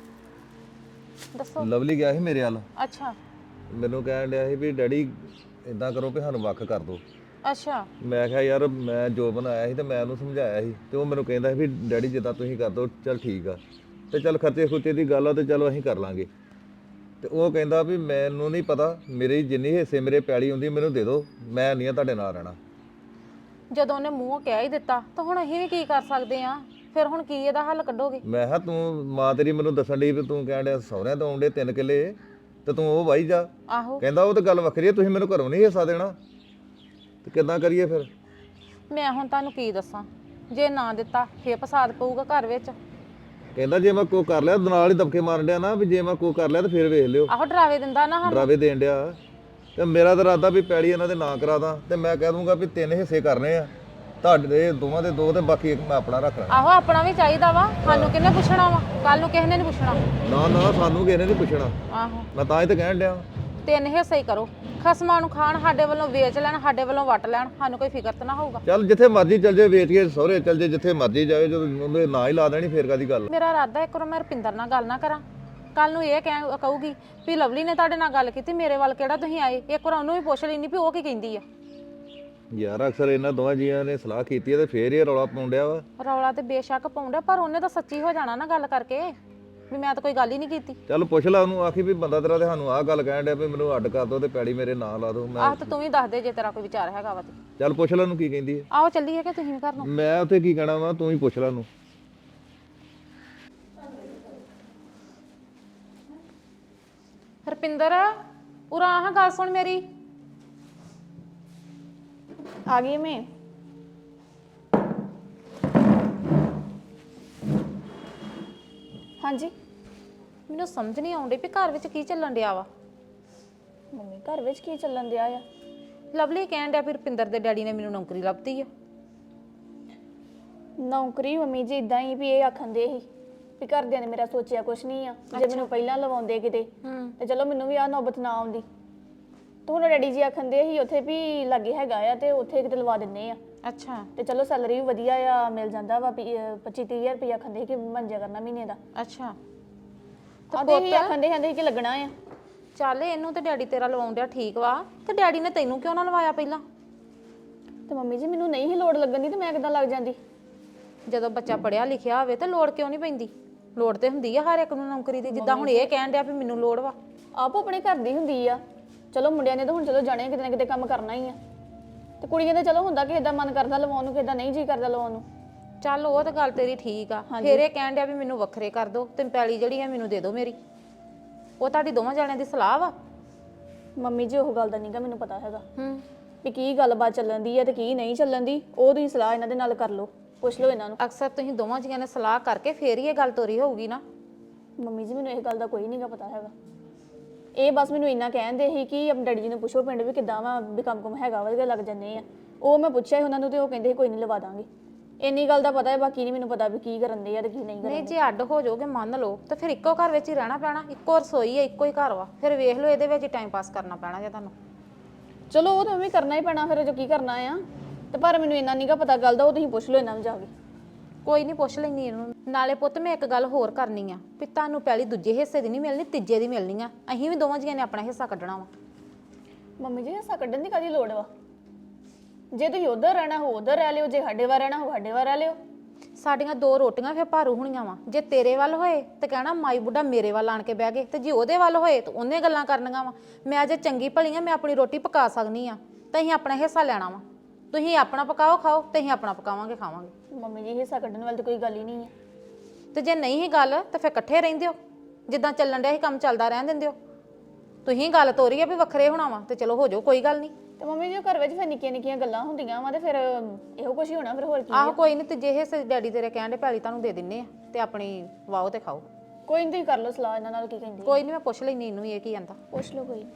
ਦੱਸੋ
ਲਵਲੀ ਗਿਆ ਸੀ ਮੇਰੇ ਵੱਲ
ਅੱਛਾ
ਮੈਨੂੰ ਕਹਿਣ ਡਿਆ ਸੀ ਵੀ ਡੈਡੀ ਇਦਾਂ ਕਰੋ ਵੀ ਸਾਨੂੰ ਵੱਖ ਕਰ ਦਿਓ
ਅੱਛਾ
ਮੈਂ ਕਿਹਾ ਯਾਰ ਮੈਂ ਜੋਬਨ ਆਇਆ ਸੀ ਤੇ ਮੈਂ ਉਹਨੂੰ ਸਮਝਾਇਆ ਸੀ ਤੇ ਉਹ ਮੈਨੂੰ ਕਹਿੰਦਾ ਸੀ ਵੀ ਡੈਡੀ ਜਿੱਦਾਂ ਤੁਸੀਂ ਕਰ ਦਿਓ ਚੱਲ ਠੀਕ ਆ ਤੇ ਚੱਲ ਖਰਚੇ ਖੁਰਚੇ ਦੀ ਗੱਲ ਆ ਤੇ ਚਲੋ ਅਸੀਂ ਕਰ ਲਾਂਗੇ ਤੇ ਉਹ ਕਹਿੰਦਾ ਵੀ ਮੈਨੂੰ ਨਹੀਂ ਪਤਾ, ਮੇਰੇ ਜਿੰਨੀ ਹਿੱਸੇ ਮੇਰੇ ਪੈਲੀ ਹੁੰਦੀ ਮੈਨੂੰ ਦੇ ਦਿਓ, ਮੈਂ ਨਹੀਂ ਆ ਤੁਹਾਡੇ ਨਾਲ ਰਹਿਣਾ।
ਜਦੋਂ ਉਹਨੇ ਮੂੰਹੋਂ ਕਹਿ ਹੀ ਦਿੱਤਾ ਤਾਂ ਹੁਣ ਅਸੀਂ ਵੀ ਕੀ ਕਰ ਸਕਦੇ ਆ? ਫਿਰ ਹੁਣ ਕੀ ਇਹਦਾ ਹੱਲ ਕੱਢੋਗੇ?
ਮੈਂ ਕਿਹਾ ਤੂੰ ਮਾਂ ਤੇਰੀ ਮੈਨੂੰ ਦੱਸਣ ਡਈ ਵੀ ਤੂੰ ਕਹਿਣ ਡਿਆ ਸਹੁਰਿਆਂ ਤੋਂ ਆਉਂਦੇ ਤਿੰਨ ਕਿੱਲੇ ਤੇ ਤੂੰ ਉਹ ਵਾਹੀ ਜਾ।
ਆਹੋ
ਕਹਿੰਦਾ ਉਹ ਤਾਂ ਗੱਲ ਵੱਖਰੀ ਹੈ, ਤੁਸੀਂ ਮੈਨੂੰ ਘਰੋਂ ਨਹੀਂ ਹਿੱਸਾ ਦੇਣਾ, ਤੇ ਕਿੱਦਾਂ ਕਰੀਏ ਫਿਰ?
ਮੈਂ ਹੁਣ ਤੁਹਾਨੂੰ ਕੀ ਦੱਸਾਂ, ਜੇ ਨਾ ਦਿੱਤਾ ਫੇਰ ਫਸਾਦ ਪਊਗਾ ਘਰ ਵਿੱਚ।
ਕਹਿੰਦਾ ਜੇ ਮੈਂ ਕੋ ਕਰ ਲਿਆ, ਨਾਲ ਹੀ ਦਬਕੇ ਮਾਰਨ ਡਿਆ ਨਾ ਵੀ ਜੇ ਮੈਂ ਕੋ ਕਰ ਲਿਆ ਤਾਂ ਫਿਰ ਵੇਖ ਲਿਓ,
ਆਹੋ ਡਰਾਵੇ ਦਿੰਦਾ ਨਾ ਸਾਨੂੰ।
ਡਰਾਵੇ ਦੇਣ ਡਿਆ। ਤੇ ਮੇਰਾ ਤਾਂ ਇਰਾਦਾ ਵੀ ਪੈਲੀ ਇਹਨਾਂ ਦੇ ਨਾਂ ਕਰਾ ਦਾਂ ਤੇ ਮੈਂ ਕਹਿ ਦੂੰਗਾ ਵੀ ਤਿੰਨ ਹਿੱਸੇ ਕਰਨੇ ਆ, ਤੁਹਾਡੇ ਦੋਵਾਂ ਦੇ ਦੋ ਤੇ ਬਾਕੀ ਇੱਕ ਮੈਂ ਆਪਣਾ ਰੱਖ ਲੈਣਾ।
ਆਹੋ ਆਪਣਾ ਵੀ ਚਾਹੀਦਾ ਵਾ, ਸਾਨੂੰ ਕਿਹਨੇ ਪੁੱਛਣਾ ਵਾ? ਕੱਲ ਨੂੰ ਕਿਸੇ ਨੇ ਨਹੀਂ ਪੁੱਛਣਾ।
ਨਾ ਨਾ ਸਾਨੂੰ ਕਿਸੇ ਨੇ ਨਹੀਂ ਪੁੱਛਣਾ,
ਆਹੋ
ਮੈਂ ਤਾਂ ਹੀ ਤਾਂ ਕਹਿਣ ਡਿਆ।
ਤਿੰਨ ਹਿੱਸੇ ਹੀ ਕਰੋ, ਖਸਮਾਂ ਨੂੰ ਖਾਣ, ਸਾਡੇ ਵੱਲੋਂ ਵੇਚ ਲੈਣ, ਸਾਡੇ ਵੱਲੋਂ ਵੱਟ ਲੈਣ, ਸਾਨੂੰ ਕੋਈ ਫਿਕਰ ਤਾਂ ਨਾ ਹੋਊਗਾ।
ਚੱਲ ਜਿੱਥੇ ਮਰਜ਼ੀ ਚੱਲ ਜੇ, ਵੇਚ ਕੇ ਸਹੁਰੇ ਚੱਲ ਜੇ, ਜਿੱਥੇ ਮਰਜ਼ੀ ਜਾਵੇ, ਜਦੋਂ ਉਹਦੇ ਨਾਂ ਹੀ ਲਾ ਦੇਣੀ ਫੇਰ ਕਾਦੀ ਗੱਲ।
ਮੇਰਾ ਇਰਾਦਾ ਇੱਕ ਵਾਰ ਮੈਂ ਰੁਪਿੰਦਰ ਨਾਲ ਗੱਲ ਨਾ ਕਰਾਂ, ਕੱਲ ਨੂੰ ਇਹ ਕਹਿ ਕਹੂਗੀ ਵੀ ਲਵਲੀ ਨੇ ਤੁਹਾਡੇ ਨਾਲ ਗੱਲ ਕੀਤੀ, ਮੇਰੇ ਵੱਲ ਕਿਹੜਾ ਤੁਸੀਂ ਆਏ? ਇੱਕ ਵਾਰ ਉਹਨੂੰ ਵੀ ਪੁੱਛ ਲੈਣੀ ਵੀ ਉਹ ਕੀ ਕਹਿੰਦੀ ਆ।
ਯਾਰ ਅਕਸਰ ਇਹਨਾਂ ਦੋਵਾਂ ਜੀਆਂ ਨੇ ਸਲਾਹ ਕੀਤੀ ਹੈ ਤੇ ਫੇਰ ਇਹ ਰੌਲਾ ਪਾਉਂਦਿਆ ਵਾ।
ਰੌਲਾ ਤੇ ਬੇਸ਼ੱਕ ਪਾਉਂਦਾ, ਪਰ ਉਹਨੇ ਤਾਂ ਸੱਚੀ ਹੋ ਜਾਣਾ ਨਾ ਗੱਲ ਕਰਕੇ ਵੀ ਮੈਂ ਤਾਂ ਕੋਈ ਗੱਲ ਹੀ ਨਹੀਂ ਕੀਤੀ।
ਚੱਲ ਪੁੱਛ ਲਾ ਉਹਨੂੰ, ਆਖੀ ਵੀ ਬੰਦਾ ਤੇਰਾ ਤੇ ਸਾਨੂੰ ਆਹ ਗੱਲ ਕਹਿਣ ਡਿਆ ਵੀ ਮੈਨੂੰ ਅੱਡ ਕਰ ਦੋ ਤੇ ਪੈੜੀ ਮੇਰੇ ਨਾਂ ਲਾ ਦੋ। ਮੈਂ
ਆਹ ਤਾਂ ਤੂੰ ਵੀ ਦੱਸ ਦੇ ਜੇ ਤੇਰਾ ਕੋਈ ਵਿਚਾਰ ਹੈਗਾ ਵਾ ਤੇ।
ਚੱਲ ਪੁੱਛ ਲੈ ਉਹਨੂੰ ਕੀ ਕਹਿੰਦੀ ਹੈ।
ਆਓ ਚੱਲੀਏ ਕਿ ਤੁਸੀਂ ਵੀ ਕਰ ਲਓ।
ਮੈਂ ਉੱਥੇ ਕੀ ਕਹਿਣਾ ਵਾ, ਤੂੰ ਹੀ ਪੁੱਛ ਲੈ ਉਹਨੂੰ।
ਰੁਪਿੰਦਰ ਉਰਾ ਆਹ ਗੱਲ ਸੁਣ ਮੇਰੀ।
ਆ ਗਈ ਮੈਂ। ਹਾਂਜੀ
ਮੈਨੂੰ ਸਮਝ ਨਹੀਂ ਆਉਂਦੀ ਵੀ ਘਰ ਵਿੱਚ ਕੀ ਚੱਲਣ ਡਿਆ ਵਾ।
ਮੰਮੀ ਘਰ ਵਿੱਚ ਕੀ ਚੱਲਣ ਦਿਆ ਆ?
ਲਵਲੀ ਕਹਿਣ ਡਿਆ ਵੀ ਰੁਪਿੰਦਰ ਦੇ ਡੈਡੀ ਨੇ ਮੈਨੂੰ ਨੌਕਰੀ ਲੱਭਤੀ ਆ।
ਨੌਕਰੀ ਮੰਮੀ ਜੀ ਇਦਾਂ ਹੀ ਵੀ ਇਹ ਆਖਣ ਦੇ ਸੀ ਵੀ ਘਰਦਿਆਂ ਨੇ ਮੇਰਾ ਸੋਚਿਆ ਕੁਛ ਨਹੀਂ ਆ, ਜੇ ਮੈਨੂੰ ਪਹਿਲਾਂ ਲਵਾਉਂਦੇ ਕਿਤੇ ਤੇ ਚਲੋ ਮੈਨੂੰ ਵੀ ਆ ਨੌਬਤ ਨਾ ਆਉਂਦੀ। ਤੇ ਹੁਣ ਡੈਡੀ ਜੀ ਆਖਣ ਦੇ ਸੀ ਉੱਥੇ ਵੀ ਲੱਗੇ ਹੈਗਾ ਆ ਤੇ ਉੱਥੇ ਕਿਤੇ ਲਵਾ ਦਿੰਨੇ ਆ।
ਅੱਛਾ
ਤੇ ਚਲੋ ਸੈਲਰੀ ਵੀ ਵਧੀਆ ਆ ਮਿਲ ਜਾਂਦਾ ਵਾ, ਪੱਚੀ ਤੀਹ ਹਜ਼ਾਰ ਰੁਪਇਆ ਆਖੰਦੇ ਕਿ ਮੰਜਿਆ ਕਰਨਾ ਮਹੀਨੇ ਦਾ।
ਅੱਛਾ
ਆਦੇ ਹੀ ਆਖੰਦੇ ਕਹਿੰਦੇ ਕਿ ਲੱਗਣਾ ਆ।
ਚੱਲ ਇਹਨੂੰ ਤੇ ਡੈਡੀ ਤੇਰਾ ਲਵਾਉਣ ਡਿਆ ਠੀਕ ਵਾ, ਤੇ ਡੈਡੀ ਨੇ ਤੈਨੂੰ ਕਿਉਂ ਨਾ ਲਵਾਇਆ ਪਹਿਲਾਂ?
ਤੇ ਮੰਮੀ ਜੀ ਮੈਨੂੰ ਨਹੀਂ ਹੀ ਲੋੜ ਲੱਗਣ ਦੀ ਤੇ ਮੈਂ ਕਿੱਦਾਂ ਲੱਗ ਜਾਂਦੀ?
ਜਦੋਂ ਬੱਚਾ ਪੜਿਆ ਲਿਖਿਆ ਹੋਵੇ ਤੇ ਲੋੜ ਕਿਉਂ ਨਹੀਂ ਪੈਂਦੀ? ਲੋੜ ਤੇ ਹੁੰਦੀ ਆ ਹਰ ਇੱਕ ਨੂੰ ਨੌਕਰੀ ਦੀ, ਜਿੱਦਾਂ ਹੁਣ ਇਹ ਕਹਿਣ ਡਿਆ ਵੀ ਮੈਨੂੰ ਲੋੜ ਵਾ।
ਆਪ ਆਪਣੇ ਘਰ ਦੀ ਹੁੰਦੀ ਆ, ਚਲੋ ਮੁੰਡਿਆਂ ਨੇ ਤਾਂ ਹੁਣ ਚਲੋ ਜਾਣੇ ਕਿਤੇ ਨਾ ਕਿਤੇ ਕੰਮ ਕਰਨਾ ਹੀ ਆ, ਤੇ ਕੁੜੀਆਂ ਦਾ ਚਲੋ ਹੁੰਦਾ ਕਿ ਇਦਾਂ ਮਨ ਕਰਦਾ ਲਵਾਉਣ ਨੂੰ, ਕਿ ਇਦਾਂ ਨਹੀਂ ਜੀ ਕਰਦਾ ਲਵਾਉਣ ਨੂੰ।
ਚੱਲ ਉਹ ਤਾਂ ਗੱਲ ਤੇਰੀ ਠੀਕ ਆ, ਫਿਰ ਇਹ ਕਹਿਣ ਡਿਆ ਵੀ ਮੈਨੂੰ ਵੱਖਰੇ ਕਰ ਦੋ ਤੇ ਪੈਲੀ ਜਿਹੜੀ ਹੈ ਮੈਨੂੰ ਦੇ ਦਿਓ ਮੇਰੀ। ਉਹ ਤੁਹਾਡੀ ਦੋਵਾਂ ਜਾਣਿਆਂ ਦੀ ਸਲਾਹ ਵਾ?
ਮੰਮੀ ਜੀ ਉਹ ਗੱਲ ਦਾ ਨਹੀਂਗਾ ਮੈਨੂੰ ਪਤਾ ਹੈਗਾ
ਹੂੰ
ਵੀ ਕੀ ਗੱਲਬਾਤ ਚੱਲਣ ਦੀ ਆ ਤੇ ਕੀ ਨਹੀਂ ਚੱਲਣ ਦੀ। ਉਹ ਤੁਸੀਂ ਸਲਾਹ ਇਹਨਾਂ ਦੇ ਨਾਲ ਕਰ ਲਓ, ਪੁੱਛ ਲਓ ਇਹਨਾਂ ਨੂੰ।
ਅਕਸਰ ਤੁਸੀਂ ਦੋਵਾਂ ਜੀਆਂ ਨੇ ਸਲਾਹ ਕਰਕੇ ਫੇਰ ਹੀ ਇਹ ਗੱਲ ਤੋਰੀ ਹੋਊਗੀ ਨਾ।
ਮੰਮੀ ਜੀ ਮੈਨੂੰ ਇਹ ਗੱਲ ਦਾ ਕੋਈ ਨਹੀਂਗਾ ਪਤਾ ਹੈਗਾ, ਇਹ ਬਸ ਮੈਨੂੰ ਇੰਨਾ ਕਹਿੰਦੇ ਸੀ ਕਿ ਆਪਣੇ ਡੈਡੀ ਜੀ ਨੂੰ ਪੁੱਛੋ ਪਿੰਡ ਵੀ ਕਿੱਦਾਂ ਵਾ, ਵੀ ਕੰਮ ਕੁਮ ਹੈਗਾ ਵਧੀਆ ਲੱਗ ਜਾਂਦੇ ਆ। ਉਹ ਮੈਂ ਪੁੱਛਿਆ ਸੀ ਉਹਨਾਂ ਨੂੰ ਤੇ ਉਹ ਕਹਿੰਦੇ ਸੀ ਕੋਈ ਨਹੀਂ ਲਵਾ ਦਾਂਗੇ। ਇੰਨੀ ਗੱਲ ਦਾ ਪਤਾ ਹੈ, ਬਾਕੀ ਨਹੀਂ ਮੈਨੂੰ ਪਤਾ ਵੀ ਕੀ ਕਰਨ ਦੇ ਆ ਤੇ ਕੀ ਨਹੀਂ
ਨਹੀਂ
ਕਰਦੇ।
ਜੇ ਅੱਡ ਹੋ ਜਾਓਗੇ ਮੰਨ ਲਓ ਤੇ ਫਿਰ ਇੱਕੋ ਘਰ ਵਿੱਚ ਹੀ ਰਹਿਣਾ ਪੈਣਾ, ਇੱਕੋ ਰਸੋਈ ਹੈ ਇੱਕੋ ਹੀ ਘਰ ਵਾ, ਫਿਰ ਵੇਖ ਲਓ ਇਹਦੇ ਵਿੱਚ ਹੀ ਟਾਈਮ ਪਾਸ ਕਰਨਾ ਪੈਣਾ ਜੇ ਤੁਹਾਨੂੰ।
ਚਲੋ ਉਹ ਤਾਂ ਵੀ ਕਰਨਾ ਹੀ ਪੈਣਾ ਫਿਰ, ਜੋ ਕੀ ਕਰਨਾ ਆ। ਤੇ ਪਰ ਮੈਨੂੰ ਇੰਨਾ ਨਹੀਂਗਾ ਪਤਾ ਗੱਲ ਦਾ, ਉਹ ਤੁਸੀਂ ਪੁੱਛ ਲਓ ਇਹਨਾਂ ਨੂੰ ਜਾ ਕੇ।
ਕੋਈ ਨਹੀਂ ਪੁੱਛ ਲੈਣੀ ਇਹਨੂੰ। ਨਾਲੇ ਪੁੱਤ ਮੈਂ ਇੱਕ ਗੱਲ ਹੋਰ ਕਰਨੀ ਆ ਵੀ ਤੁਹਾਨੂੰ ਪਹਿਲੀ ਦੂਜੇ ਹਿੱਸੇ ਦੀ ਨਹੀਂ ਮਿਲਣੀ, ਤੀਜੇ ਦੀ ਮਿਲਣੀ ਆ। ਅਸੀਂ ਵੀ ਦੋਵਾਂ ਜੀਆਂ ਨੇ ਆਪਣਾ ਹਿੱਸਾ ਕੱਢਣਾ ਵਾ।
ਮੰਮੀ ਜੀ ਹਿੱਸਾ ਕੱਢਣ ਦੀ ਕਾਹਦੀ ਲੋੜ ਵਾ? ਜੇ ਤੁਸੀਂ ਉਧਰ ਰਹਿਣਾ ਹੋ ਉਧਰ ਰਹਿ ਲਿਓ, ਜੇ ਸਾਡੇ ਵੱਲ ਰਹਿਣਾ ਹੋ ਸਾਡੇ ਵੱਲ ਰਹਿ ਲਿਓ।
ਸਾਡੀਆਂ ਦੋ ਰੋਟੀਆਂ ਫਿਰ ਭਾਰੂ ਹੋਣੀਆਂ ਵਾ। ਜੇ ਤੇਰੇ ਵੱਲ ਹੋਏ ਤੇ ਕਹਿਣਾ ਮਾਈ ਬੁੱਢਾ ਮੇਰੇ ਵੱਲ ਆਣ ਕੇ ਬਹਿ ਗਏ, ਤੇ ਜੇ ਉਹਦੇ ਵੱਲ ਹੋਏ ਤਾਂ ਉਹਨੇ ਗੱਲਾਂ ਕਰਨੀਆਂ ਵਾ। ਮੈਂ ਜੇ ਚੰਗੀ ਭਲੀ ਆ, ਮੈਂ ਆਪਣੀ ਰੋਟੀ ਪਕਾ ਸਕਨੀ ਆ, ਤਾਂ ਅਸੀਂ ਆਪਣਾ ਹਿੱਸਾ ਲੈਣਾ ਵਾ। ਤੁਸੀਂ ਆਪਣਾ ਪਕਾਓ ਖਾਓ ਤੇ ਅਸੀਂ ਆਪਣਾ ਪਕਾਵਾਂਗੇ ਖਾਵਾਂਗੇ।
ਮੰਮੀ ਜੀ ਹਿੱਸਾ ਕੱਢਣ ਵਾਲੀ ਤਾਂ ਕੋਈ ਗੱਲ ਹੀ ਨਹੀਂ ਹੈ।
ਤੇ ਜੇ ਨਹੀਂ ਹੀ ਗੱਲ ਤਾਂ ਫਿਰ ਇਕੱਠੇ ਰਹਿੰਦੇ ਹੋ, ਜਿੱਦਾਂ ਚੱਲਣ ਡਿਆ ਸੀ ਕੰਮ ਚੱਲਦਾ ਰਹਿਣ ਦਿੰਦੇ ਹੋ। ਤੁਸੀਂ ਗੱਲ ਤੋਰੀ ਆ ਵੀ ਵੱਖਰੇ ਹੋਣਾ ਵਾ ਤੇ ਚਲੋ ਹੋ ਜਾਓ, ਕੋਈ ਗੱਲ ਨਹੀਂ।
ਤੇ ਮੰਮੀ ਜੀ ਘਰ ਵਿੱਚ ਫਿਰ ਨਿੱਕੀਆਂ ਨਿੱਕੀਆਂ ਗੱਲਾਂ ਹੁੰਦੀਆਂ ਵਾ ਤੇ ਫਿਰ ਇਹੋ ਕੁਝ ਹੀ ਹੋਣਾ ਫਿਰ, ਹੋਰ ਕੀ।
ਆਹੋ ਕੋਈ ਨਹੀਂ, ਤੇ ਜੇ ਹਿੱਸੇ ਡੈਡੀ ਤੇਰੇ ਕਹਿਣ ਦੇ ਪੈਲੀ ਤੁਹਾਨੂੰ ਦੇ ਦਿੰਨੇ ਆ ਤੇ ਆਪਣੀ ਵਾਓ ਤੇ ਖਾਓ।
ਕੋਈ ਨਹੀਂ ਤੁਸੀਂ ਕਰ ਲਓ ਸਲਾਹ ਇਹਨਾਂ ਨਾਲ, ਕੀ ਕਹਿੰਦੀ
ਕੋਈ ਨਹੀਂ ਮੈਂ ਪੁੱਛ ਲੈਣੀ ਇਹਨੂੰ ਇਹ ਕੀ ਕਹਿੰਦਾ।
ਪੁੱਛ ਲਓ ਕੋਈ।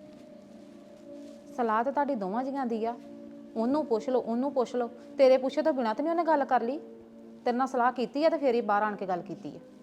ਸਲਾਹ ਤੇ ਤੁਹਾਡੀ ਦੋਵਾਂ ਜੀਆਂ ਦੀ ਆ, ਉਹਨੂੰ ਪੁੱਛ ਲਓ ਉਹਨੂੰ ਪੁੱਛ ਲਓ। ਤੇਰੇ ਪੁੱਛੇ ਤੋਂ ਬਿਨਾਂ ਤਾਂ ਨਹੀਂ ਉਹਨੇ ਗੱਲ ਕਰ ਲਈ, ਤੇਰੇ ਨਾਲ ਸਲਾਹ ਕੀਤੀ ਆ ਤੇ ਫੇਰ ਹੀ ਬਾਹਰ ਆਣ ਕੇ ਗੱਲ ਕੀਤੀ ਆ।